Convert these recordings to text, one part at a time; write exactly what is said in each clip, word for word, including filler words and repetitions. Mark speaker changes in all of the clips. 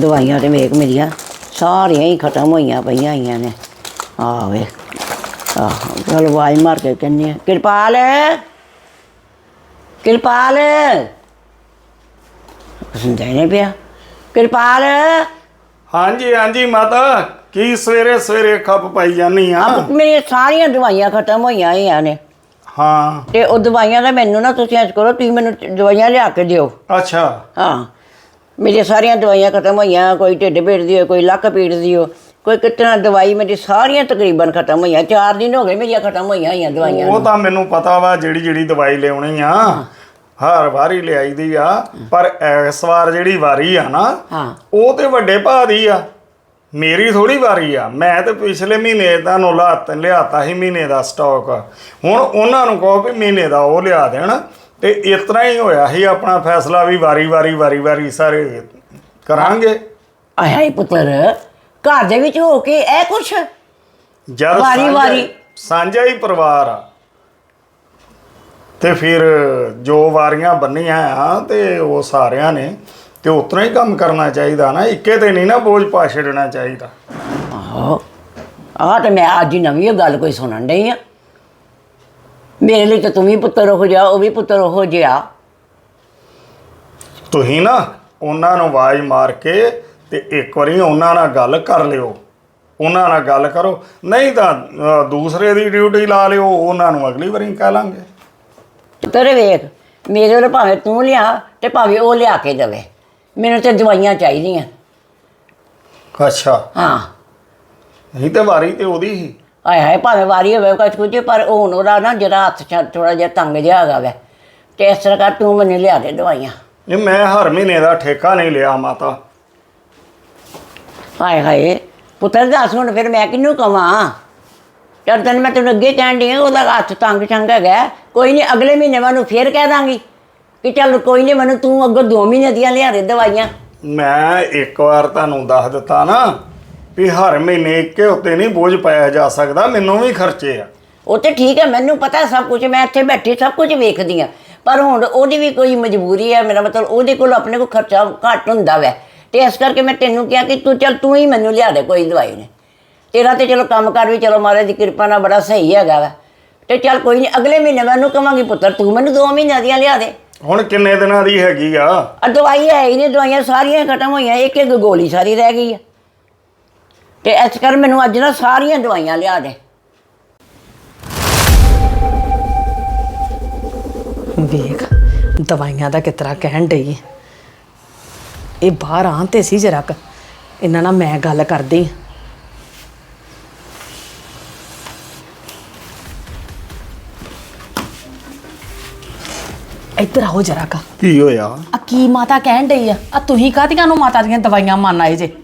Speaker 1: दवाइयां तो वेख मेरिया सारियां ही खत्म होइयां पईयां होइयां ने। आ वे आह चल आवाज मार के कहनी है कृपाल कृपाल सुनता ही नहीं पिया। कृपाल
Speaker 2: हाँ जी हाँ जी माता की सवेरे सवेरे खप पाई जानी आ।
Speaker 1: मेरी सारियां दवाइयां खत्म होइयां होइयां ने।
Speaker 2: हाँ
Speaker 1: ते ओ दवाइयां दा मैनू ना तुसीं इंज करो तुसीं मैनू दवाइयां लिया के दिओ।
Speaker 2: अच्छा
Speaker 1: हाँ मेरी सारियां दवाइयां खत्म होइयां कोई ढिड पीड़ दी हो कोई लक्क पीड़ दी हो कोई कितना दवाई मेरी सारियां तकरीबन खत्म होइयां चार दिन हो गए मेरियां खत्म होइयां होइयां दवाइयां।
Speaker 2: वो तो मैनू पता वा जिहड़ी जिहड़ी दवाई लियाउणी आ हर वारी लियाई दी आ पर इस वार जिहड़ी वारी आ ना
Speaker 1: हाँ
Speaker 2: वो ते वड्डे भाऽ दी आ मेरी थोड़ी वारी आ। मैं तो पिछले महीने तुहानूं लात लियाता ही महीने का स्टॉक हुण उन्हां नूं कहो भी महीने का वो लिया देण ते इतना ही होया ही अपना फैसला भी वारी वारी वारी वारी सारे करांगे।
Speaker 1: आया ही पुत्तर घर दे विच हो के ए कुछ
Speaker 2: जद
Speaker 1: वारी
Speaker 2: सांझा-
Speaker 1: वारी
Speaker 2: सांझा ही परिवार आ ते फिर जो वारियां बन्नियां आ ते वो सारियां ने ते उतना ही काम करना चाहिए ना इक्के ते नहीं ना बोझ पा छड़ना चाहिए।
Speaker 1: आहो आ तो मैं अज ही नवीं गल कोई सुनन डई आ। मेरे लिए तो तुम ही पुत्तर हो जा वो भी पुत्तर हो जिहा।
Speaker 2: तुसीं ना उन्हां नूं आवाज़ मार के ते एक बारी उन्हां नाल गल कर लिओ उन्हां नाल गल करो नहीं तो दूसरे दी ड्यूटी ला लिओ उन्हां नूं अगली बारी कह लांगे।
Speaker 1: पुत्तर वेख मेरे वाले भावें तू लिया ते भावें वो लिया के देवे मैनूं ते दवाइयां चाहिदियां।
Speaker 2: अच्छा
Speaker 1: हाँ
Speaker 2: नहीं तो वारी तो ओदी ही
Speaker 1: हाय हाय भावें वारी होवे कुछ कुछ पर हुण ओहदा ना जरा हत्थ थोड़ा जिहा तंग जिहा हैगा वै ते इस तरह कर तू मैनूं लिया दे दवाइयां।
Speaker 2: ये मैं हर महीने का ठेका नहीं लिया माता।
Speaker 1: हाय हाय पुत्तर दस हुण फिर मैं किहनूं कवां चल तैनूं मैं तैनूं अगे कहण डई ओहदा हत्थ तंग शंग हैगा कोई नहीं अगले महीने मैं ਉਹਨੂੰ फिर कह दांगी कि चल कोई नहीं मैनूं तू अग्गों दो महीने दियां लिया दे दवाइयां।
Speaker 2: मैं एक बार तुहानूं दस दिता ना भी हर महीने एक उत्ते नहीं बोझ पाया जा सकता मैनूं भी खर्चे आ।
Speaker 1: ਉਹ ਤੇ ਠੀਕ ਹੈ ਮੈਨੂੰ ਪਤਾ ਸਭ ਕੁਝ ਮੈਂ ਇੱਥੇ ਬੈਠੀ ਸਭ ਕੁਝ ਵੇਖਦੀ ਹਾਂ ਪਰ ਹੁਣ ਉਹਦੀ ਵੀ ਕੋਈ ਮਜਬੂਰੀ ਹੈ ਮੇਰਾ ਮਤਲਬ ਉਹਦੇ ਕੋਲ ਆਪਣੇ ਕੋਲ ਖਰਚਾ ਘੱਟ ਹੁੰਦਾ ਵੈ ਤੇ ਇਸ ਕਰਕੇ ਮੈਂ ਤੈਨੂੰ ਕਿਹਾ ਕਿ ਤੂੰ ਚੱਲ ਤੂੰ ਹੀ ਮੈਨੂੰ ਲਿਆ ਦੇ ਕੋਈ ਦਵਾਈ ਨੇ ਤੇਰਾ ਤੇ ਚਲੋ ਕੰਮ ਕਰ ਵੀ ਚਲੋ ਮਹਾਰਾਜ ਦੀ ਕਿਰਪਾ ਨਾਲ ਬੜਾ ਸਹੀ ਹੈਗਾ ਵੈ ਤੇ ਚੱਲ ਕੋਈ ਨਹੀਂ ਅਗਲੇ ਮਹੀਨੇ ਮੈਂ ਉਹਨੂੰ ਕਹਾਂਗੀ ਪੁੱਤਰ ਤੂੰ ਮੈਨੂੰ ਦੋ ਮਹੀਨਿਆਂ ਦੀਆਂ ਲਿਆ ਦੇ।
Speaker 2: ਹੁਣ ਕਿੰਨੇ ਦਿਨਾਂ ਦੀ ਹੈਗੀ ਆ
Speaker 1: ਆ ਦਵਾਈ ਹੈ ਹੀ ਨਹੀਂ ਦਵਾਈਆਂ ਸਾਰੀਆਂ ਖਤਮ ਹੋਈਆਂ ਇੱਕ ਇੱਕ ਗੋਲੀ ਸਾਰੀ ਰਹਿ ਗਈ ਹੈ ਤੇ ਇਸ ਕਰ ਮੈਨੂੰ ਅੱਜ ਨਾ ਸਾਰੀਆਂ ਦਵਾਈਆਂ ਲਿਆ ਦੇ।
Speaker 3: ਵੇਖ ਦਵਾਈਆਂ ਦਾ ਕਿਸ ਤਰ੍ਹਾਂ ਕਹਿਣ ਡਈ ਇਹ ਬਾਹਰ ਆਉਣ ਤੇ ਸੀ ਜਰਾ ਕ ਇਹਨਾਂ ਨਾਲ ਮੈਂ ਗੱਲ ਕਰਦੀ ਇੱਧਰ ਆਓ ਜਰਾ ਕ
Speaker 2: ਕੀ ਹੋਇਆ
Speaker 3: ਆ ਕੀ ਮਾਤਾ ਕਹਿਣ ਡਈ ਆ ਆ ਤੁਸੀਂ ਕਾਹਦੀਆਂ ਨੂੰ ਮਾਤਾ ਦੀਆਂ ਦਵਾਈਆਂ ਮੰਨ ਆਏ ਜੇ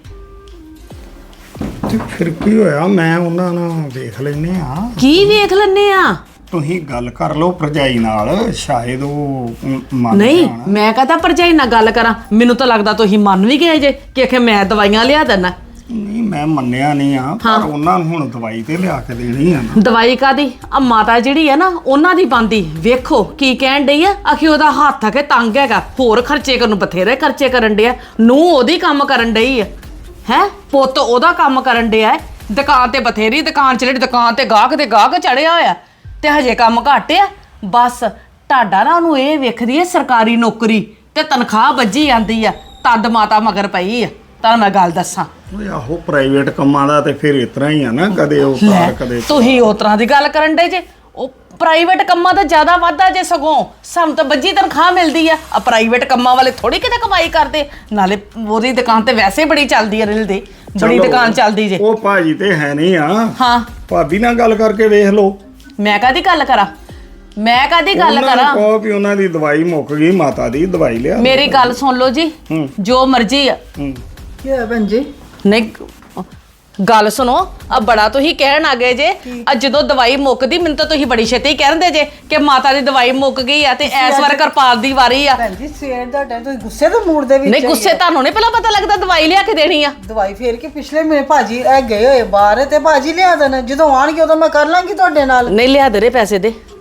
Speaker 2: ਤੇ ਫਿਰ ਕੀ ਹੋਇਆ ਮੈਂ ਉਹਨਾਂ ਨਾਲ ਦੇਖ ਲੈਨੇ ਆ
Speaker 3: ਕੀ ਵੇਖ ਲੈਨੇ ਆ
Speaker 2: ਤੁਸੀਂ ਗੱਲ ਕਰ ਲਓ ਭਰਜਾਈ ਨਾਲ ਸ਼ਾਇਦ ਉਹ ਮ- ਮੰਨ
Speaker 3: ਨਹੀਂ
Speaker 2: ਜਾਣ।
Speaker 3: ਮੈਂ ਕਹਤਾ ਭਰਜਾਈ ਨਾਲ ਗੱਲ ਕਰਾਂ ਮੈਨੂੰ ਤਾਂ ਲੱਗਦਾ ਤੁਸੀਂ ਮੰਨ ਵੀ ਗਏ ਜੇ ਕਿ ਆਖੇ ਮੈਂ ਦਵਾਈਆਂ ਲਿਆ ਦੇਣਾ
Speaker 2: ਨਹੀਂ ਮੈਂ ਮੰਨਿਆ ਨਹੀਂ ਆ ਪਰ ਉਹਨਾਂ ਨੂੰ ਹੁਣ ਦਵਾਈ ਤੇ ਲਿਆ ਕੇ ਦੇਣੀ ਆ ਨਾ।
Speaker 3: ਦਵਾਈ ਕਾਦੀ ਆ ਮਾਤਾ ਜਿਹੜੀ ਆ ਨਾ ਉਹਨਾਂ ਦੀ ਬੰਦੀ ਵੇਖੋ ਕੀ ਕਹਿਣ ਡਈ ਆ ਆਖੀ ਉਹਦਾ ਹੱਥ ਆ ਕੇ ਤੰਗ ਹੈਗਾ ਹੋਰ ਖਰਚੇ ਕਰਨ ਨੂੰ ਬਥੇਰੇ ਖਰਚੇ ਕਰਨ ਡਿਆ ਨੂੰ ਉਹਦੀ ਕੰਮ ਕਰਨ ਡਈ ਆ ਹੈ ਪੁੱਤ ਉਹਦਾ ਕੰਮ ਕਰਨ ਡਿਆ ਦੁਕਾਨ ਤੇ ਬਥੇਰੀ ਦੁਕਾਨ ਚ ਜਿਹੜੀ ਦੁਕਾਨ ਤੇ ਗਾਹਕ ਤੇ ਗਾਹਕ ਚੜਿਆ ਹੋਇਆ ਤੇ ਹਜੇ ਕੰਮ ਘੱਟ ਆ ਬਸ ਤੁਹਾਡਾ ਨਾ ਉਹਨੂੰ ਇਹ ਵੇਖਦੀ ਹੈ ਸਰਕਾਰੀ ਨੌਕਰੀ ਤੇ ਤਨਖਾਹ ਵੱਜੀ ਜਾਂਦੀ ਆ ਤਦ ਮਾਤਾ ਮਗਰ ਪਈ ਆ ਤਾਂ ਮੈਂ ਗੱਲ ਦੱਸਾਂ
Speaker 2: ਓਏ ਆਹੋ ਪ੍ਰਾਈਵੇਟ ਕੰਮਾਂ ਦਾ ਤੇ ਫਿਰ ਇਤਨਾ ਹੀ ਆ ਨਾ ਕਦੇ ਉਹ ਕਾਰ ਕਦੇ
Speaker 3: ਤੁਸੀਂ ਉਸ ਤਰ੍ਹਾਂ ਦੀ ਗੱਲ ਕਰਨ ਡੇ ਜੇ ਉਹ ਪ੍ਰਾਈਵੇਟ ਕੰਮਾਂ ਦਾ ਜ਼ਿਆਦਾ ਵਾਧਾ ਜੇ ਸਗੋਂ ਸਾਨੂੰ ਤਾਂ ਵੱਜੀ ਤਨਖਾਹ ਮਿਲਦੀ ਆ ਆ ਪ੍ਰਾਈਵੇਟ ਕੰਮਾਂ ਵਾਲੇ ਥੋੜੀ ਕਿਤੇ ਕਮਾਈ ਕਰਦੇ ਨਾਲੇ ਉਹਦੀ ਦੁਕਾਨ ਤੇ ਵੈਸੇ ਬੜੀ ਚੱਲਦੀ ਆ ਰਿਲ ਦੀ ਬੜੀ
Speaker 2: ਚਲੋ,
Speaker 3: ਦੁਕਾਨ ਚੱਲਦੀ ਜੇ
Speaker 2: ਉਹ ਭਾਜੀ ਤੇ ਹੈ ਨਹੀਂ ਆ
Speaker 3: ਹਾਂ
Speaker 2: ਭਾਬੀ ਨਾਲ ਗੱਲ ਕਰਕੇ ਵੇਖ ਲਓ
Speaker 3: ਮੈਂ ਕਾਹਦੀ ਗੱਲ ਕਰਾਂ ਮੈਂ ਕਾਹਦੀ ਗੱਲ
Speaker 2: ਉਹਨਾਂ ਨੂੰ
Speaker 3: ਕਰਾਂ
Speaker 2: ਕਹੋ ਵੀ ਉਹਨਾਂ ਦੀ ਦਵਾਈ ਮੁੱਕ ਗਈ ਮਾਤਾ ਦੀ ਦਵਾਈ ਲਿਆ
Speaker 3: ਮੇਰੀ ਗੱਲ ਸੁਣ ਲਓ ਜੀ
Speaker 2: ਹੂੰ।
Speaker 3: ਜੋ ਮਰਜ਼ੀ ਆ
Speaker 2: ਹੂੰ।
Speaker 4: ਕੀ ਹੋਇਆ ਭੈਣ ਜੀ
Speaker 3: ਨਹੀਂ ਗੱਲ ਸੁਣੋ ਆ ਬੜਾ ਤੁਸੀਂ ਕਹਿਣ ਆ ਗਏ ਜੇ ਆ ਜਦੋਂ ਦਵਾਈ ਮੁੱਕਦੀ ਮੈਨੂੰ ਤਾਂ ਤੁਸੀਂ ਬੜੀ ਛੇਤੀ ਕਹਿੰਦੇ ਜੇ ਕਿ ਮਾਤਾ ਦੀ ਦਵਾਈ ਮੁੱਕ ਗਈ ਆ ਤੇ ਇਸ ਵਾਰ ਕਿਰਪਾਲ ਦੀ ਵਾਰੀ ਆ
Speaker 4: ਭੈਣ ਜੀ ਸਵੇਰ ਦਾ ਟਾਈਮ ਤੁਸੀਂ ਗੁੱਸੇ ਦੇ ਮੂਡ ਦੇ ਵਿੱਚ
Speaker 3: ਨਹੀਂ ਗੁੱਸੇ ਤੁਹਾਨੂੰ ਨਹੀਂ ਪਹਿਲਾਂ ਪਤਾ ਲੱਗਦਾ ਦਵਾਈ ਲਿਆ ਕੇ ਦੇਣੀ ਆ
Speaker 4: ਦਵਾਈ ਫੇਰ ਕੇ ਪਿਛਲੇ ਮਹੀਨੇ ਭਾਜੀ ਇਹ ਗਏ ਹੋਏ ਬਾਹਰ ਤੇ ਭਾਜੀ ਲਿਆ ਦੇਣਾ ਜਦੋਂ ਆਣਗੇ ਉਦੋਂ ਮੈਂ ਕਰ ਲਾਂਗੀ ਤੁਹਾਡੇ ਨਾਲ
Speaker 3: ਨਹੀਂ ਲਿਆ ਦੇ ਰੇ ਪੈਸੇ ਦੇ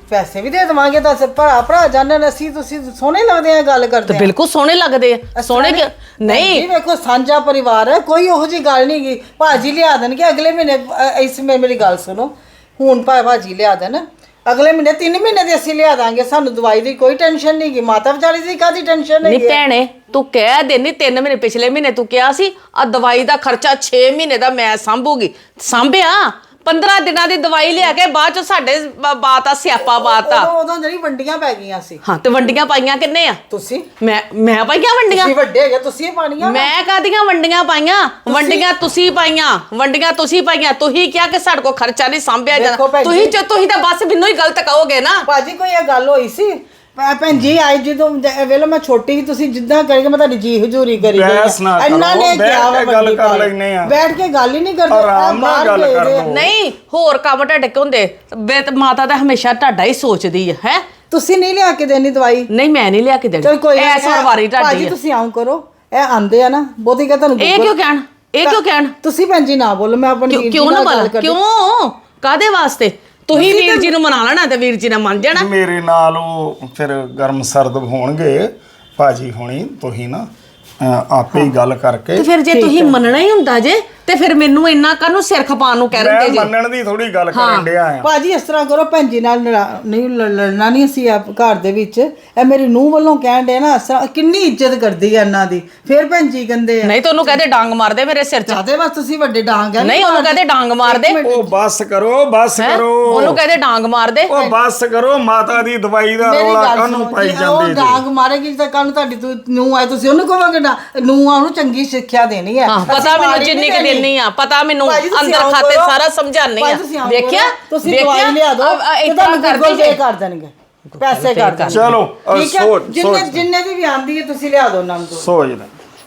Speaker 4: ਪੈਸੇ ਵੀ ਦੇ ਦੇਵਾਂਗੇ ਤਾਂ ਭਰਾ ਭਰਾ ਜਾਣਨ ਅਸੀਂ ਤੁਸੀਂ ਸੋਹਣੇ ਲੱਗਦੇ ਆ ਗੱਲ ਕਰਦੇ
Speaker 3: ਤੇ
Speaker 4: ਆ
Speaker 3: ਬਿਲਕੁਲ ਸੋਹਣੇ ਲੱਗਦੇ ਆ ਸੋਹਣੇ ਕਿ- ਨਹੀਂ
Speaker 4: ਜੀ ਵੇਖੋ ਸਾਂਝਾ ਪਰਿਵਾਰ ਹੈ ਕੋਈ ਉਹੋ ਜੀ ਗੱਲ ਨਹੀਂ ਗੀ ਭਾਜੀ ਲਿਆ ਦੇਣਗੇ ਅਗਲੇ ਮਹੀਨੇ ਅ, ਇਸ ਮੇ ਮੇਰੀ ਗੱਲ ਸੁਣੋ ਹੁਣ ਭਾ ਭਾਜੀ ਲਿਆ ਦੇਣ ਅਗਲੇ ਮਹੀਨੇ ਤਿੰਨ ਮਹੀਨੇ ਦੀ ਅਸੀਂ ਲਿਆ ਦਾਂਗੇ ਸਾਨੂੰ ਦਵਾਈ ਦੀ ਕੋਈ ਟੈਨਸ਼ਨ ਨਹੀਂ ਗੀ ਮਾਤਾ ਵਿਚਾਰੀ ਦੀ ਕਾਦੀ ਟੈਨਸ਼ਨ
Speaker 3: ਨਹੀਂ
Speaker 4: ਨਹੀਂ
Speaker 3: ਭੈਣੇ ਤੂੰ ਕਹਿ ਦੇਨੀ ਤਿੰਨ ਮਹੀਨੇ ਪਿਛਲੇ ਮਹੀਨੇ ਤੂੰ ਕਿਹਾ ਸੀ ਆ ਦਵਾਈ ਦਾ ਖਰਚਾ ਛੇ ਮਹੀਨੇ ਦਾ ਮੈਂ ਸੰਭੂਗੀ ਸੰਭਿਆ ਪੰਦਰਾਂ ਦਿਨਾਂ ਦੀ ਦਵਾਈ ਲਿਆ ਕੇ ਬਾਅਦ ਚ ਸਾਡੇ ਬ- ਬਾਤ ਆ ਸਿਆਪਾ ਬਾਤ ਆ
Speaker 4: ਉਦੋਂ ਉਦੋਂ ਜਿਹੜੀ ਵੰਡੀਆਂ ਪੈ ਗਈਆਂ ਸੀ
Speaker 3: ਹਾਂ ਤੇ ਵੰਡੀਆਂ ਪਾਈਆਂ ਕਿੰਨੇ ਆ
Speaker 4: ਤੁਸੀਂ
Speaker 3: ਮੈਂ ਮੈਂ ਪਾਈਆਂ ਵੰਡੀਆਂ
Speaker 4: ਤੁਸੀਂ ਵੱਡੇ ਹੈਗੇ ਤੁਸੀਂ ਹੀ ਪਾਣੀਆਂ
Speaker 3: ਮੈਂ ਕਾਦੀਆਂ ਵੰਡੀਆਂ ਪਾਈਆਂ ਵੰਡੀਆਂ ਤੁਸੀਂ ਪਾਈਆਂ ਵੰਡੀਆਂ ਤੁਸੀਂ ਪਾਈਆਂ ਤੁਸੀਂ ਕਿਹਾ ਕਿ ਸਾਡੇ ਕੋਲ ਖਰਚਾ ਨਹੀਂ ਸੰਭਿਆ
Speaker 4: ਦੇਖੋ
Speaker 3: ਜਾਂਦਾ
Speaker 4: ਭੈਣ
Speaker 3: ਤੁਸੀਂ
Speaker 4: ਜੀ।
Speaker 3: ਚ ਤੁਸੀਂ ਤਾਂ ਬਸ ਮੈਨੂੰ ਹੀ ਗਲਤ ਕਹੋਗੇ ਨਾ
Speaker 4: ਭਾਜੀ ਕੋਈ ਇਹ ਗੱਲ ਹੋਈ ਸੀ ਭੈ- ਭੈਣ ਜੀ ਆਈ ਜਦੋਂ ਵੇਲੇ ਮੈਂ ਛੋਟੀ ਸੀ ਤੁਸੀਂ ਜਿੱਦਾਂ ਕਰੇਗੇ ਮੈਂ ਤੁਹਾਡੀ ਜੀ ਹਜ਼ੂਰੀ ਕਰੀ ਗਈ
Speaker 2: ਬਹਿਸ ਨਾ
Speaker 4: ਆ।
Speaker 2: ਕਰੋ,
Speaker 4: ਇਹਨਾਂ ਨੇ
Speaker 2: ਬੈਠ
Speaker 4: ਕਿਹਾ ਵਾ
Speaker 2: ਕੇ ਗੱਲ
Speaker 4: ਵੱਡੀ
Speaker 2: ਕਰ
Speaker 4: ਗੱਲ।
Speaker 2: ਲੈਂਦੇ ਆ।
Speaker 4: ਬੈਠ ਕੇ ਗੱਲ ਹੀ ਨਹੀਂ ਕਰਦੇ
Speaker 2: ਆਰਾਮ ਨਾਲ
Speaker 4: ਬਾਹਰ
Speaker 2: ਗੱਲ
Speaker 4: ਭੇਜਦੇ
Speaker 2: ਕਰ
Speaker 4: ਆ।
Speaker 2: ਲਓ।
Speaker 3: ਨਹੀਂ ਹੋਰ ਕੰਮ ਤੁਹਾਡੇ ਕੋ ਹੁੰਦੇ ਬੇ ਤੇ ਮਾਤਾ ਤਾਂ ਹਮੇਸ਼ਾ ਤੁਹਾਡਾ ਹੀ ਸੋਚਦੀ ਹੈ ਹੈ
Speaker 4: ਤੁਸੀਂ ਨਹੀਂ ਲਿਆ ਕੇ ਦੇਣੀ ਦਵਾਈ
Speaker 3: ਨਹੀਂ ਮੈਂ ਨਹੀਂ ਲਿਆ ਕੇ ਦੇਣੀ
Speaker 4: ਚਲ ਕੋਈ
Speaker 3: ਐਸ ਵਾਰ ਵਾਰੀ ਤੁਹਾਡੀ
Speaker 4: ਭਾਜੀ
Speaker 3: ਹੈ
Speaker 4: ਤੁਸੀਂ ਆਉਂ ਕਰੋ ਇਹ ਆਂਦੇ ਆ ਨਾ ਬਹੁਤੀ ਕਹ ਤੁਹਾਨੂੰ
Speaker 3: ਇਹ ਕਿਉਂ ਕਹਿਣ ਇਹ ਕਿਉਂ ਕਹਿਣ
Speaker 4: ਤੁਸੀਂ ਭੈਣ ਜੀ ਨਾ ਬੋਲੋ ਮੈਂ ਆਪਣੀ
Speaker 3: ਕਿਉਂ
Speaker 4: ਵੀਰ ਜੀ
Speaker 3: ਕਿਉਂ ਨਾ
Speaker 4: ਨਾਲ ਗੱਲ
Speaker 3: ਬੋਲ
Speaker 4: ਕਰਦੀ।
Speaker 3: ਕਿਉਂ ਕਾਦੇ ਵਾਸਤੇ ਤੁਸੀਂ ਵੀਰ ਜੀ ਨੂੰ ਮਨਾ ਲੈਣਾ ਤੇ ਵੀਰ ਜੀ ਨੇ ਮੰਨ ਜਾਣਾ
Speaker 2: ਮੇਰੇ ਨਾਲ ਉਹ ਫਿਰ ਗਰਮ ਸਰਦ ਹੋਣਗੇ ਭਾਜੀ ਹੋਣੀ ਤੁਸੀਂ ਨਾ ਅਹ, ਆਪੇ ਹੀ ਗੱਲ ਕਰਕੇ
Speaker 3: ਤੇ ਫਿਰ ਜੇ ਤੁਸੀਂ ਮੰਨਣਾ ਹੀ ਹੁੰਦਾ ਜੇ ਤੇ ਫਿਰ ਮੈਨੂੰ ਇੰਨਾ ਕਾਹਨੂੰ ਸਿਰ ਖਪਾਉਣ ਨੂੰ ਕਹਿ
Speaker 2: ਮੈਂ
Speaker 3: ਰਹੇ ਜੇ
Speaker 2: ਮੰਨਣ ਦੀ ਥੋੜੀ ਗੱਲ ਕਰਨ ਡਿਆ ਆ
Speaker 4: ਭਾਜੀ ਇਸ ਤਰ੍ਹਾਂ ਕਰੋ ਭੈਣ ਜੀ ਨਾਲ ਲੜਾ- ਨਹੀਂ ਲ- ਲੜਨਾ ਨਹੀਂ ਅਸੀਂ ਆਪ ਘਰ ਦੇ ਵਿੱਚ ਇਹ ਮੇਰੀ ਨੂੰਹ ਵੱਲੋਂ ਕਹਿਣ ਦੇ ਨਾ ਇਸ ਤਰ੍ਹਾਂ ਕਿੰਨੀ ਇੱਜ਼ਤ ਕਰਦੀ ਹੈ ਇਹਨਾਂ ਦੀ ਫਿਰ ਭੈਣ ਜੀ ਕਹਿੰਦੇ ਆ
Speaker 3: ਨਹੀਂ ਤੁਹਾਨੂੰ ਕਹਦੇ ਡਾਂਗ ਮਾਰ ਦੇ ਮੇਰੇ ਸਿਰ 'ਚ
Speaker 4: ਚਾਹਦੇ ਬਸ ਤੁਸੀਂ ਵੱਡੇ ਡਾਂਗ ਆ
Speaker 3: ਨਹੀਂ ਉਹਨੂੰ ਕਹਦੇ ਡਾਂਗ ਮਾਰ ਦੇ
Speaker 2: ਉਹ ਬੱਸ ਕਰੋ ਬੱਸ
Speaker 3: ਹੈਂ?
Speaker 2: ਕਰੋ
Speaker 3: ਉਹਨੂੰ ਕਹਦੇ ਡਾਂਗ ਮਾਰ ਦੇ
Speaker 2: ਉਹ ਬੱਸ ਕਰੋ ਮਾਤਾ ਦੀ ਦਵਾਈ ਦਾ
Speaker 4: ਮੇਰੀ
Speaker 2: ਰੌਲਾ
Speaker 4: ਗੱਲ
Speaker 2: ਕਾਹਨੂੰ
Speaker 4: ਸੁਣੋ
Speaker 2: ਪਾਈ
Speaker 4: ਜੀ, ਉਹ
Speaker 2: ਜਾਂਦੇ ਜੀ
Speaker 4: ਡਾਂਗ ਮਾਰੇਗੀ ਤਾਂ ਕੱਲ ਨੂੰ ਤੁਹਾਡੀ ਤੂੰ ਨੂੰਹ ਆਏ ਤੁਸੀਂ ਉਹਨੂੰ ਕਹੋਗੇ ਨਾ ਨੂੰਹ ਆ ਉਹਨੂੰ ਚੰਗੀ ਸਿੱਖਿਆ ਦੇਣੀ ਹੈ
Speaker 3: ਹਾਂ ਪਤਾ
Speaker 4: ਅਸੀਂ
Speaker 3: ਮੈਨੂੰ
Speaker 4: ਮਾੜੀ
Speaker 3: ਜਿੰਨੀ
Speaker 4: ਨਹੀਂ
Speaker 3: ਕਿ ਦੇਣੀ ਆ ਪਤਾ ਮੈਨੂੰ
Speaker 4: ਭਾਜੀ ਤੁਸੀਂ
Speaker 3: ਅੰਦਰ
Speaker 4: ਆਓ
Speaker 3: ਖਾਤੇ
Speaker 4: ਕਰੋ।
Speaker 3: ਸਾਰਾ ਸਮਝਾਣੀ ਆ
Speaker 4: ਭਾਜੀ ਤੁਸੀਂ ਆਓ
Speaker 3: ਵੇਖਿਆ
Speaker 4: ਕਰੋ। ਤੁਸੀਂ
Speaker 3: ਵੇਖਿਆ?
Speaker 4: ਦਵਾਈ ਲਿਆ ਦਿਓ
Speaker 3: ਅ- ਅ-
Speaker 4: ਤੇ
Speaker 3: ਏਦਾਂ
Speaker 4: ਤੁਹਾਨੂੰ
Speaker 3: ਕਰਦੀ
Speaker 4: ਗੂਗਲ
Speaker 3: ਜੇ।
Speaker 4: ਪੇ ਕਰ ਦੇਣਗੇ ਪੈਸੇ ਕਰ ਦੇਣਗੇ
Speaker 2: ਚਲੋ ਅਹ,
Speaker 4: ਠੀਕ ਹੈ
Speaker 2: ਸੋਚ
Speaker 4: ਜਿੰਨੇ
Speaker 2: ਸੋਚ
Speaker 4: ਜਿੰਨੇ ਦੀ ਵੀ ਆਂਦੀ ਹੈ ਤੁਸੀਂ ਲਿਆ ਦਿਓ ਨਾਮ ਤੋਂ
Speaker 2: ਸੋਚਦਾ